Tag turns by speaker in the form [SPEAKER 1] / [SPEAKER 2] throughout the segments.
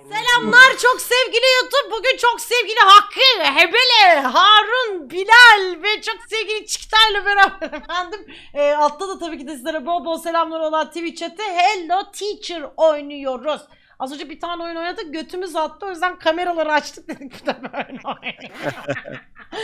[SPEAKER 1] Selamlar çok sevgili YouTube. Bugün çok sevgili Hakkı, Hebele, Harun, Bilal ve çok sevgili Çiktay'la beraber efendim. Altta da tabii ki de sizlere bol bol selamlar olan Twitch chat'te Hello Teacher oynuyoruz. Az önce bir tane oyun oynadık, götümüz attı, o yüzden kameraları açtık dedik bir de böyle oynayalım.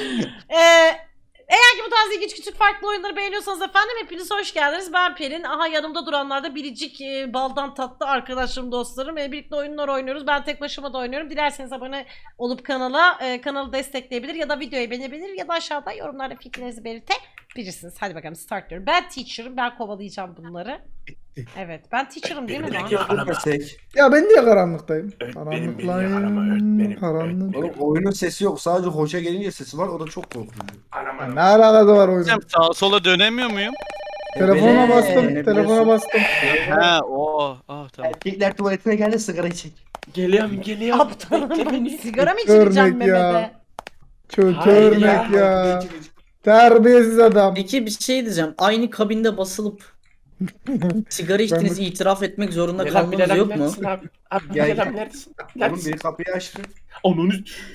[SPEAKER 1] Eğer ki bu tarz ilginç küçük farklı oyunları beğeniyorsanız efendim hepiniz hoş geldiniz. Ben Pelin. Aha yanımda duranlar da biricik baldan tatlı arkadaşlarım, dostlarım. Birlikte oyunlar oynuyoruz. Ben tek başıma da oynuyorum. Dilerseniz abone olup kanalı destekleyebilir ya da videoyu beğenebilir ya da aşağıda yorumlarda fikrinizi belirtebilirsiniz. Hadi bakalım start diyorum. Ben teacher'ım. Ben kovalayacağım bunları. Evet ben teacher'ım değil mi lan?
[SPEAKER 2] Ya ben niye karanlıktayım?
[SPEAKER 3] Öğretmenim beni yakalama, öğretmenim.
[SPEAKER 2] Karanlık.
[SPEAKER 3] Öğretmenim.
[SPEAKER 4] Oğlum oyunun sesi yok. Sadece hoşa gelince sesi var. O da çok korkutucu.
[SPEAKER 3] Anam
[SPEAKER 2] Ya
[SPEAKER 3] anam.
[SPEAKER 2] ne alakası var oyunun?
[SPEAKER 5] Hocam sağa sola dönemiyor muyum?
[SPEAKER 2] Telefona bastım.
[SPEAKER 4] Ne
[SPEAKER 2] Telefona
[SPEAKER 4] biliyorsun?
[SPEAKER 2] bastım.
[SPEAKER 5] Ha o. Ah tamam.
[SPEAKER 4] Erkekler tuvaletine geldi sigara çek.
[SPEAKER 3] Geliyorum.
[SPEAKER 1] Aptalım. Sigara mı içireceğim
[SPEAKER 2] Örnek ya.
[SPEAKER 1] Mehmet'e?
[SPEAKER 2] Kötü
[SPEAKER 3] Hayır
[SPEAKER 2] örnek
[SPEAKER 3] ya.
[SPEAKER 2] ya. Terbiyesiz adam.
[SPEAKER 6] Peki bir şey diyeceğim. Aynı kabinde basılıp sigara içtiğinizi itiraf etmek zorunda kalmanız yok mu?
[SPEAKER 3] Abi
[SPEAKER 4] Ya-
[SPEAKER 3] Bilal abi neredesin?
[SPEAKER 4] Oğlum
[SPEAKER 3] Neredesin?
[SPEAKER 4] biri kapıyı açtı.
[SPEAKER 3] Onun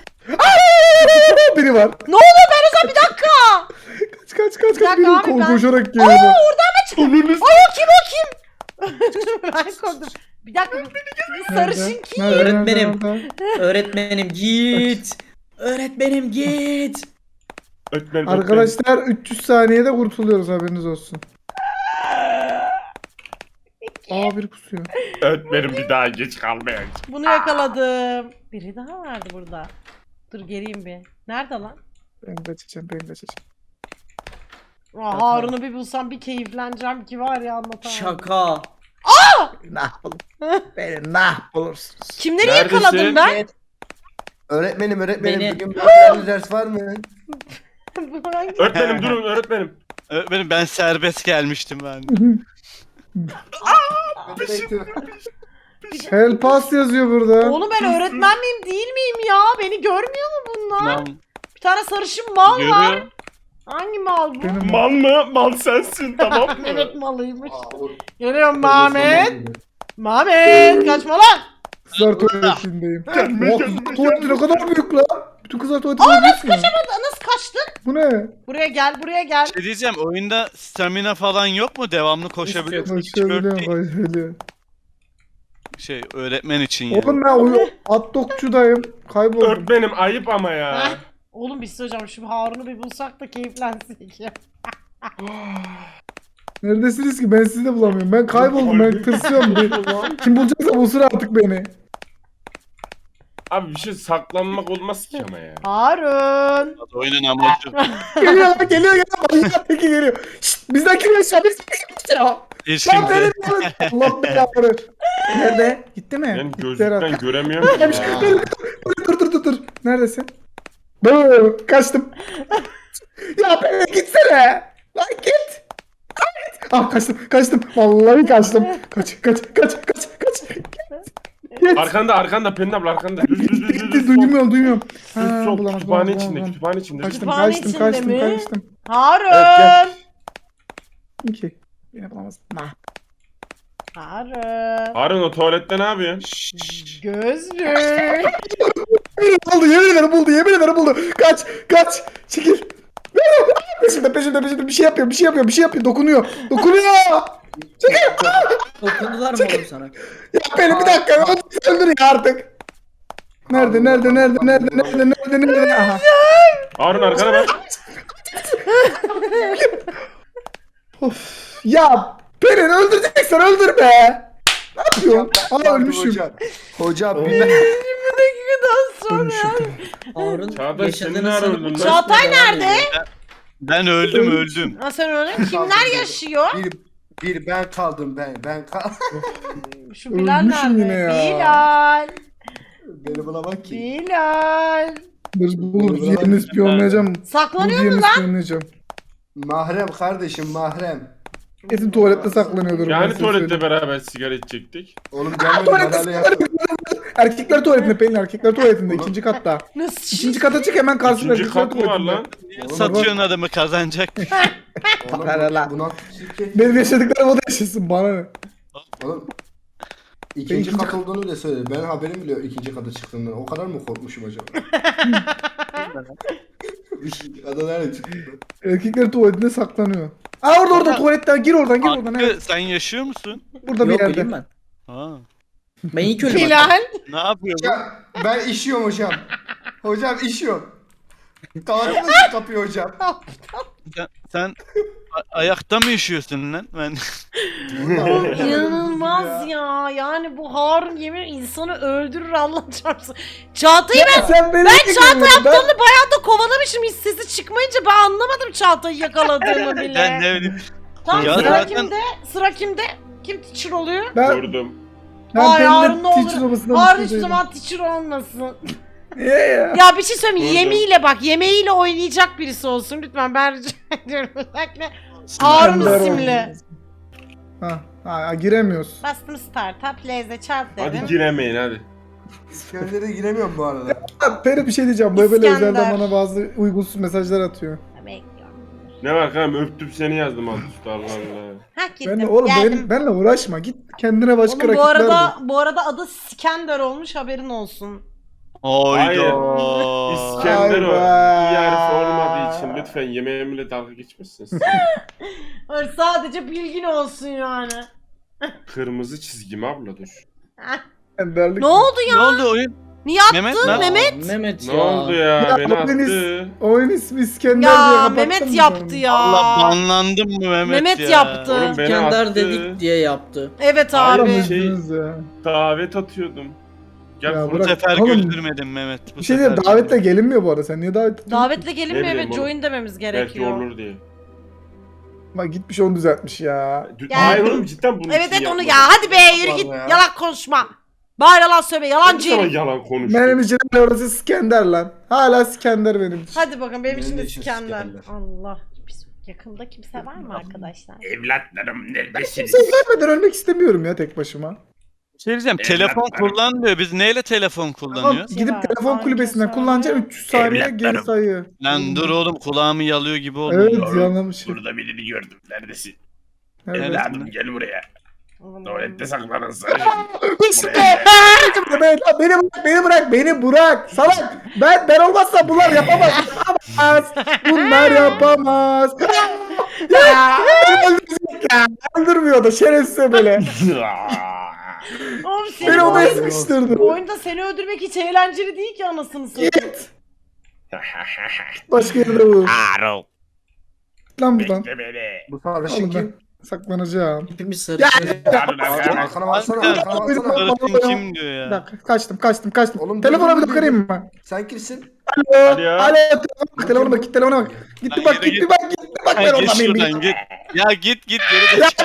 [SPEAKER 2] Biri var.
[SPEAKER 1] Ne oluyor ben o zaman bir dakika.
[SPEAKER 2] Kaç
[SPEAKER 1] Bir dakika
[SPEAKER 2] biri
[SPEAKER 1] abi, ben-
[SPEAKER 2] koşarak geliyor.
[SPEAKER 3] onun
[SPEAKER 1] Ay o kim o kim? Ben korktum. Bir dakika bu sarışın kim?
[SPEAKER 6] Öğretmenim.
[SPEAKER 2] Nerede?
[SPEAKER 6] Öğretmenim git. Öğretmenim git.
[SPEAKER 3] Öğretmenim.
[SPEAKER 2] Arkadaşlar 300 saniyede kurtuluyoruz haberiniz olsun. Aa biri pusuyor.
[SPEAKER 3] Öğretmenim bir daha geç kalmayın.
[SPEAKER 1] Bunu yakaladım. Biri daha vardı burada. Dur geleyim bir. Nerede lan?
[SPEAKER 2] Ben kaçacağım.
[SPEAKER 1] Aa, Harun'u bir bulsam bir keyifleneceğim ki var ya anlatamam.
[SPEAKER 6] Şaka.
[SPEAKER 2] Nah bulun. Beni nah bulursunuz.
[SPEAKER 1] Kimleri
[SPEAKER 3] Neredesin?
[SPEAKER 1] yakaladım ben?
[SPEAKER 4] Öğretmenim
[SPEAKER 6] Beni-
[SPEAKER 4] bugün bir ders var mı?
[SPEAKER 1] Bu hangi-
[SPEAKER 3] Öğretmenim durun öğretmenim.
[SPEAKER 5] Öğretmenim ben serbest gelmiştim ben.
[SPEAKER 2] Help us yazıyor burada.
[SPEAKER 1] Oğlum ben öğretmen miyim değil miyim ya? Beni görmüyor mu bunlar?
[SPEAKER 5] Tamam.
[SPEAKER 1] Bir tane sarışın mal var.
[SPEAKER 5] Görüyor.
[SPEAKER 1] Hangi mal bu?
[SPEAKER 2] Benim
[SPEAKER 3] Mal mı? Mal sensin tamam mı?
[SPEAKER 1] Evet malıymış. Geliyorum Mehmet. Mehmet kaçma lan.
[SPEAKER 2] kızlar tuvaletindeyim.
[SPEAKER 3] Gelme,
[SPEAKER 2] Oh,
[SPEAKER 3] gelme,
[SPEAKER 2] tuvaleti ne kadar büyük lan. Bütün kızlar tuvaletine
[SPEAKER 1] Aa nasıl
[SPEAKER 2] gidiyorsun ya.
[SPEAKER 1] kaçamadın? Nasıl kaçtın?
[SPEAKER 2] Bu ne?
[SPEAKER 1] Buraya gel buraya gel.
[SPEAKER 5] Şey diyeceğim oyunda stamina falan yok mu? Devamlı koşabiliyorsun. Hiç böyle
[SPEAKER 2] Koşabiliyorum
[SPEAKER 5] değil.
[SPEAKER 2] koşabiliyorum.
[SPEAKER 5] Şey öğretmen için yani.
[SPEAKER 2] Oğlum ben hot dogçudayım. Kayboldum.
[SPEAKER 3] Öğretmenim ayıp ama ya.
[SPEAKER 1] Heh. Oğlum biz hocam şu Harun'u bir bulsak da keyiflensek ya.
[SPEAKER 2] Neredesiniz ki? Ben sizi de bulamıyorum. Ben kayboldum. Ben tırsıyorum. Kim bulacaksa bulsun artık beni.
[SPEAKER 3] Abi bir şey saklanmak olmaz ki ama ya.
[SPEAKER 1] Harun.
[SPEAKER 5] Oyunun amacı.
[SPEAKER 2] Geliyor. Manyak teki geliyor. Şşt bizden kim yaşıyor? Biz
[SPEAKER 5] Hiç
[SPEAKER 2] Lan
[SPEAKER 5] kimse.
[SPEAKER 2] benim Allah belanı. Nerede? Gitti mi?
[SPEAKER 3] Ben
[SPEAKER 2] Gitti herhalde.
[SPEAKER 3] gözlükten göremiyorum ki ya.
[SPEAKER 2] Dur. Neredesin? Dur. Kaçtım. Ya be gitsene. Lan git. Ah kaçtım. Vallahi kaçtım. Kaç. Git.
[SPEAKER 3] Arkanda Pelin abla arkanda.
[SPEAKER 2] Gitti. Duymuyorum. Ha,
[SPEAKER 3] Sol
[SPEAKER 2] bulamaz,
[SPEAKER 3] kütüphane
[SPEAKER 2] bulamaz,
[SPEAKER 3] içinde
[SPEAKER 2] bulamaz.
[SPEAKER 3] kütüphane içinde.
[SPEAKER 1] Kütüphane içinde mi?
[SPEAKER 2] Kaçtım.
[SPEAKER 1] Harun.
[SPEAKER 2] İki. Yine bulamaz. Nah.
[SPEAKER 1] Harun.
[SPEAKER 3] Harun o tuvalette ne yapıyorsun?
[SPEAKER 1] Gözlük.
[SPEAKER 2] Buldu yemin ederim buldu. Kaç. Çekil. Peşimde bir şey yapıyor. Dokunuyor.
[SPEAKER 6] Dokundular mı oğlum sana?
[SPEAKER 2] Ya beni bir dakika öldür ya artık. Nerede? Aha.
[SPEAKER 3] Harun arkana bak.
[SPEAKER 2] Of. Ya Pelin öldüreceksen öldür be. Ne yapıyorsun? Aa ölmüşüm.
[SPEAKER 4] Hocam bir
[SPEAKER 1] 20 dakikadan sonra.
[SPEAKER 2] Ölmüşüm.
[SPEAKER 6] Harun
[SPEAKER 3] Çağdaş, seni
[SPEAKER 6] yaşadığını
[SPEAKER 3] nerede
[SPEAKER 6] sanıp
[SPEAKER 3] öldün lan?
[SPEAKER 1] Çağatay nerede?
[SPEAKER 5] Ben öldüm.
[SPEAKER 1] Ha sen öyle kimler yaşıyor?
[SPEAKER 4] bir ben kaldım ben kaldım.
[SPEAKER 1] Şu Bilal
[SPEAKER 2] Ölmüşüm yine
[SPEAKER 1] nerede?
[SPEAKER 2] ya.
[SPEAKER 1] Bilal.
[SPEAKER 4] Beni bulamam ki.
[SPEAKER 1] Bilal.
[SPEAKER 2] Bulur yerini ispiyonlayacağım.
[SPEAKER 1] Saklanıyor mu
[SPEAKER 2] Yerini
[SPEAKER 1] lan?
[SPEAKER 2] ispiyonlayacağım.
[SPEAKER 4] Mahrem kardeşim mahrem.
[SPEAKER 2] Kesin tuvalette saklanıyordur. ben
[SPEAKER 3] Yani
[SPEAKER 2] size
[SPEAKER 3] tuvalette
[SPEAKER 2] söyleyeyim.
[SPEAKER 3] beraber sigara içecektik.
[SPEAKER 4] Oğlum
[SPEAKER 2] Tuvalette
[SPEAKER 4] gelmedi yaptım.
[SPEAKER 2] Erkekler tuvaletinde Pelin erkekler tuvaletinde
[SPEAKER 4] Oğlum.
[SPEAKER 2] ikinci katta.
[SPEAKER 1] Nasıl?
[SPEAKER 2] İkinci kata çık hemen karşında
[SPEAKER 3] İkinci
[SPEAKER 2] erkekler
[SPEAKER 3] kat mı var
[SPEAKER 2] tuvaletinde.
[SPEAKER 3] lan?
[SPEAKER 5] Satıyorsun adamı kazanacak.
[SPEAKER 4] Oğlum
[SPEAKER 2] Para lan.
[SPEAKER 4] buna
[SPEAKER 2] Benim yaşadıklarım o da yaşasın bana ne?
[SPEAKER 4] Oğlum İkinci kat olduğunu bile söyledi. Ben haberim bile yok ikinci kata çıktığımdan. O kadar mı korkmuşum acaba? İkinci kata nerede çıktı?
[SPEAKER 2] Erkekler tuvaletinde saklanıyor. Aa orada tuvaletten gir oradan
[SPEAKER 5] Hakkı,
[SPEAKER 2] evet.
[SPEAKER 5] sen yaşıyor musun?
[SPEAKER 2] Burada bir
[SPEAKER 6] Yok
[SPEAKER 2] yerde.
[SPEAKER 6] öleyim ben.
[SPEAKER 5] Ha.
[SPEAKER 6] Ben ilk ölüm.
[SPEAKER 1] Hilal.
[SPEAKER 5] Ne yapıyorsun?
[SPEAKER 4] Hocam ben işiyorum hocam. Hocam işiyorum. Kapatın kapıyı hocam.
[SPEAKER 5] Sen ayakta mı yaşıyorsun lan? Ben
[SPEAKER 1] Oğlum inanılmaz ya. Yani bu Harun yemin insanı öldürür Allah çarpsın. Çağatay'ı
[SPEAKER 2] Ben
[SPEAKER 1] Çağatay aptalını bayağı da kovalamışım. Hiç sesi çıkmayınca ben anlamadım Çağatay'ı yakaladığımı
[SPEAKER 5] ben
[SPEAKER 1] bile.
[SPEAKER 5] ne bileyim.
[SPEAKER 1] Tamam
[SPEAKER 5] Ya
[SPEAKER 1] sıra
[SPEAKER 5] zaten-
[SPEAKER 1] kimde? Sıra kimde? Kim teacher oluyor?
[SPEAKER 3] Vurdum.
[SPEAKER 1] Ay Harun ne
[SPEAKER 2] teacher
[SPEAKER 1] olur.
[SPEAKER 2] olmasına
[SPEAKER 1] Harun
[SPEAKER 2] mutlu
[SPEAKER 1] hiçbir
[SPEAKER 2] değilim.
[SPEAKER 1] zaman teacher olmasın.
[SPEAKER 2] Niye ya?
[SPEAKER 1] Ya bir şey söyleyeyim.
[SPEAKER 3] Vurdum.
[SPEAKER 1] Yemeğiyle bak. Yemeğiyle oynayacak birisi olsun. Lütfen ben rica ediyorum. Özellikle Harun
[SPEAKER 2] İskender
[SPEAKER 1] isimli.
[SPEAKER 2] Ha, giremiyoruz.
[SPEAKER 1] Bastım startup. Leze çat
[SPEAKER 3] Hadi
[SPEAKER 1] dedim.
[SPEAKER 3] giremeyin hadi.
[SPEAKER 4] İskender'e giremiyorum bu arada.
[SPEAKER 2] Ha, Peri bir şey diyeceğim. Böyle
[SPEAKER 1] İskender.
[SPEAKER 2] özelden bana bazı uygunsuz mesajlar atıyor.
[SPEAKER 1] Bekliyorum.
[SPEAKER 3] Ne var kanka öptüm seni yazdım alt üstü Allah Allah.
[SPEAKER 1] Ha gittim.
[SPEAKER 2] Ben de, oğlum
[SPEAKER 1] Geldim.
[SPEAKER 2] benle uğraşma. Git kendine başka
[SPEAKER 1] Oğlum
[SPEAKER 2] rakipler bul.
[SPEAKER 1] bu arada adı Skender olmuş haberin olsun.
[SPEAKER 3] Hayır.
[SPEAKER 5] Hayda.
[SPEAKER 3] İskender o.
[SPEAKER 2] Ay be.
[SPEAKER 3] İyi harfi olmadığı için lütfen yemeğimle dalga geçmişsiniz.
[SPEAKER 1] Öyle sadece bilgin olsun yani.
[SPEAKER 3] Kırmızı çizgim abla dur.
[SPEAKER 2] Enderlik.
[SPEAKER 1] Ne oldu
[SPEAKER 5] Ne
[SPEAKER 1] ya?
[SPEAKER 5] oldu oyun?
[SPEAKER 1] Niye attın
[SPEAKER 5] Mehmet ne?
[SPEAKER 1] Mehmet?
[SPEAKER 6] Mehmet
[SPEAKER 3] Ne
[SPEAKER 6] ya.
[SPEAKER 3] oldu ya?
[SPEAKER 2] Ya,
[SPEAKER 3] Beni
[SPEAKER 2] oyun
[SPEAKER 3] attı.
[SPEAKER 2] Oyun ismi İskender diye
[SPEAKER 1] Ya
[SPEAKER 2] kapattım
[SPEAKER 1] Mehmet
[SPEAKER 2] ben.
[SPEAKER 1] yaptı ya.
[SPEAKER 5] Allah banlandım mı Mehmet,
[SPEAKER 1] Mehmet
[SPEAKER 5] ya?
[SPEAKER 1] yaptı.
[SPEAKER 3] Oğlum beni
[SPEAKER 6] İskender
[SPEAKER 3] attı.
[SPEAKER 6] dedik diye yaptı.
[SPEAKER 1] Evet
[SPEAKER 3] Hayır,
[SPEAKER 1] abi.
[SPEAKER 3] şey-
[SPEAKER 2] Ya.
[SPEAKER 3] Davet atıyordum. Gel
[SPEAKER 2] Ya
[SPEAKER 3] konuş.
[SPEAKER 5] Bu
[SPEAKER 2] bırak.
[SPEAKER 5] sefer
[SPEAKER 2] Oğlum,
[SPEAKER 5] güldürmedin Mehmet. Bu
[SPEAKER 2] Bir şey
[SPEAKER 5] sefer
[SPEAKER 2] diyeyim davetle gelinmiyor bu arada. Sen niye davet ediyorsun?
[SPEAKER 1] Davetle gelinmiyor
[SPEAKER 3] Ne
[SPEAKER 1] ve
[SPEAKER 3] bileyim oğlum.
[SPEAKER 1] join dememiz
[SPEAKER 3] Belki
[SPEAKER 1] gerekiyor.
[SPEAKER 3] olur diye.
[SPEAKER 2] Bak gitmiş onu düzeltmiş ya.
[SPEAKER 3] Hayır oğlum cidden bunu
[SPEAKER 1] Evet
[SPEAKER 3] için
[SPEAKER 1] evet onu
[SPEAKER 3] yapmadım.
[SPEAKER 1] ya. Hadi be yürü git.
[SPEAKER 4] Vallahi ya.
[SPEAKER 1] Yalan konuşma. Bari yalan söyleme. Yalancı
[SPEAKER 3] Sana
[SPEAKER 1] herif.
[SPEAKER 3] yalan konuştum.
[SPEAKER 2] Benim için orası İskender lan. Hala İskender benim için.
[SPEAKER 1] Hadi bakalım benim için
[SPEAKER 4] Benim
[SPEAKER 1] de
[SPEAKER 4] de için
[SPEAKER 1] İskender.
[SPEAKER 4] İskender.
[SPEAKER 1] Allah. Biz yakında kimse var mı arkadaşlar?
[SPEAKER 3] Evlatlarım neredesiniz?
[SPEAKER 2] Kimseyi görmeden ölmek istemiyorum ya tek başıma.
[SPEAKER 5] Bir şey diyeceğim. Telefon
[SPEAKER 3] Evlatlarım.
[SPEAKER 5] kullanmıyor. Biz neyle telefon
[SPEAKER 2] Tamam
[SPEAKER 5] kullanıyoruz?
[SPEAKER 2] gidip
[SPEAKER 1] var.
[SPEAKER 2] telefon
[SPEAKER 1] Hangi
[SPEAKER 2] kulübesinden
[SPEAKER 1] saniye?
[SPEAKER 2] kullanacaksın 300 saniye geri
[SPEAKER 3] Evlatlarım.
[SPEAKER 2] sayıyor.
[SPEAKER 5] Lan dur oğlum kulağımı yalıyor gibi oldu.
[SPEAKER 2] Evet
[SPEAKER 3] Oğlum,
[SPEAKER 2] yanlamış.
[SPEAKER 3] Burada birini gördüm. Neredesin?
[SPEAKER 2] Evet.
[SPEAKER 3] Evladım gel buraya.
[SPEAKER 1] Oğlum,
[SPEAKER 3] Tuvalette saklanın
[SPEAKER 2] Beni bırak salak. Ben olmazsa bunlar yapamaz. Bunlar yapamaz. Ya, öldürecek ya. Öldürmüyor da şerefsiz böyle.
[SPEAKER 1] Oğlum
[SPEAKER 2] Beni
[SPEAKER 1] senin
[SPEAKER 2] odaya
[SPEAKER 1] oyun,
[SPEAKER 2] sıkıştırdı.
[SPEAKER 1] bu oyunda seni öldürmek hiç eğlenceli değil ki anasını satayım.
[SPEAKER 2] Git. Başka yerde bu.
[SPEAKER 3] Aro.
[SPEAKER 2] Lan buradan.
[SPEAKER 3] Bekle beni.
[SPEAKER 4] Bu sarışın
[SPEAKER 2] Oğlum ben
[SPEAKER 4] kim?
[SPEAKER 2] saklanacağım.
[SPEAKER 6] Hepimiz sarışın.
[SPEAKER 3] Harun arkana.
[SPEAKER 4] Arkana baksana,
[SPEAKER 5] Kanka,
[SPEAKER 4] arkana baksana.
[SPEAKER 5] Sarışın kim diyor
[SPEAKER 2] Bir
[SPEAKER 5] ya?
[SPEAKER 2] dakika kaçtım.
[SPEAKER 4] Oğlum,
[SPEAKER 2] Telefona bir
[SPEAKER 4] dur, dur,
[SPEAKER 2] dokunayım mı?
[SPEAKER 4] Sen kimsin?
[SPEAKER 2] Alo.
[SPEAKER 3] Hadi ya.
[SPEAKER 2] Alo. Telefona bak. Telefona bak. Gitti
[SPEAKER 5] Lan
[SPEAKER 2] bak
[SPEAKER 5] yürü
[SPEAKER 2] gitti bak. Ben
[SPEAKER 5] Ha, git
[SPEAKER 2] orada mıyım?
[SPEAKER 5] şuradan git. Ya git geri de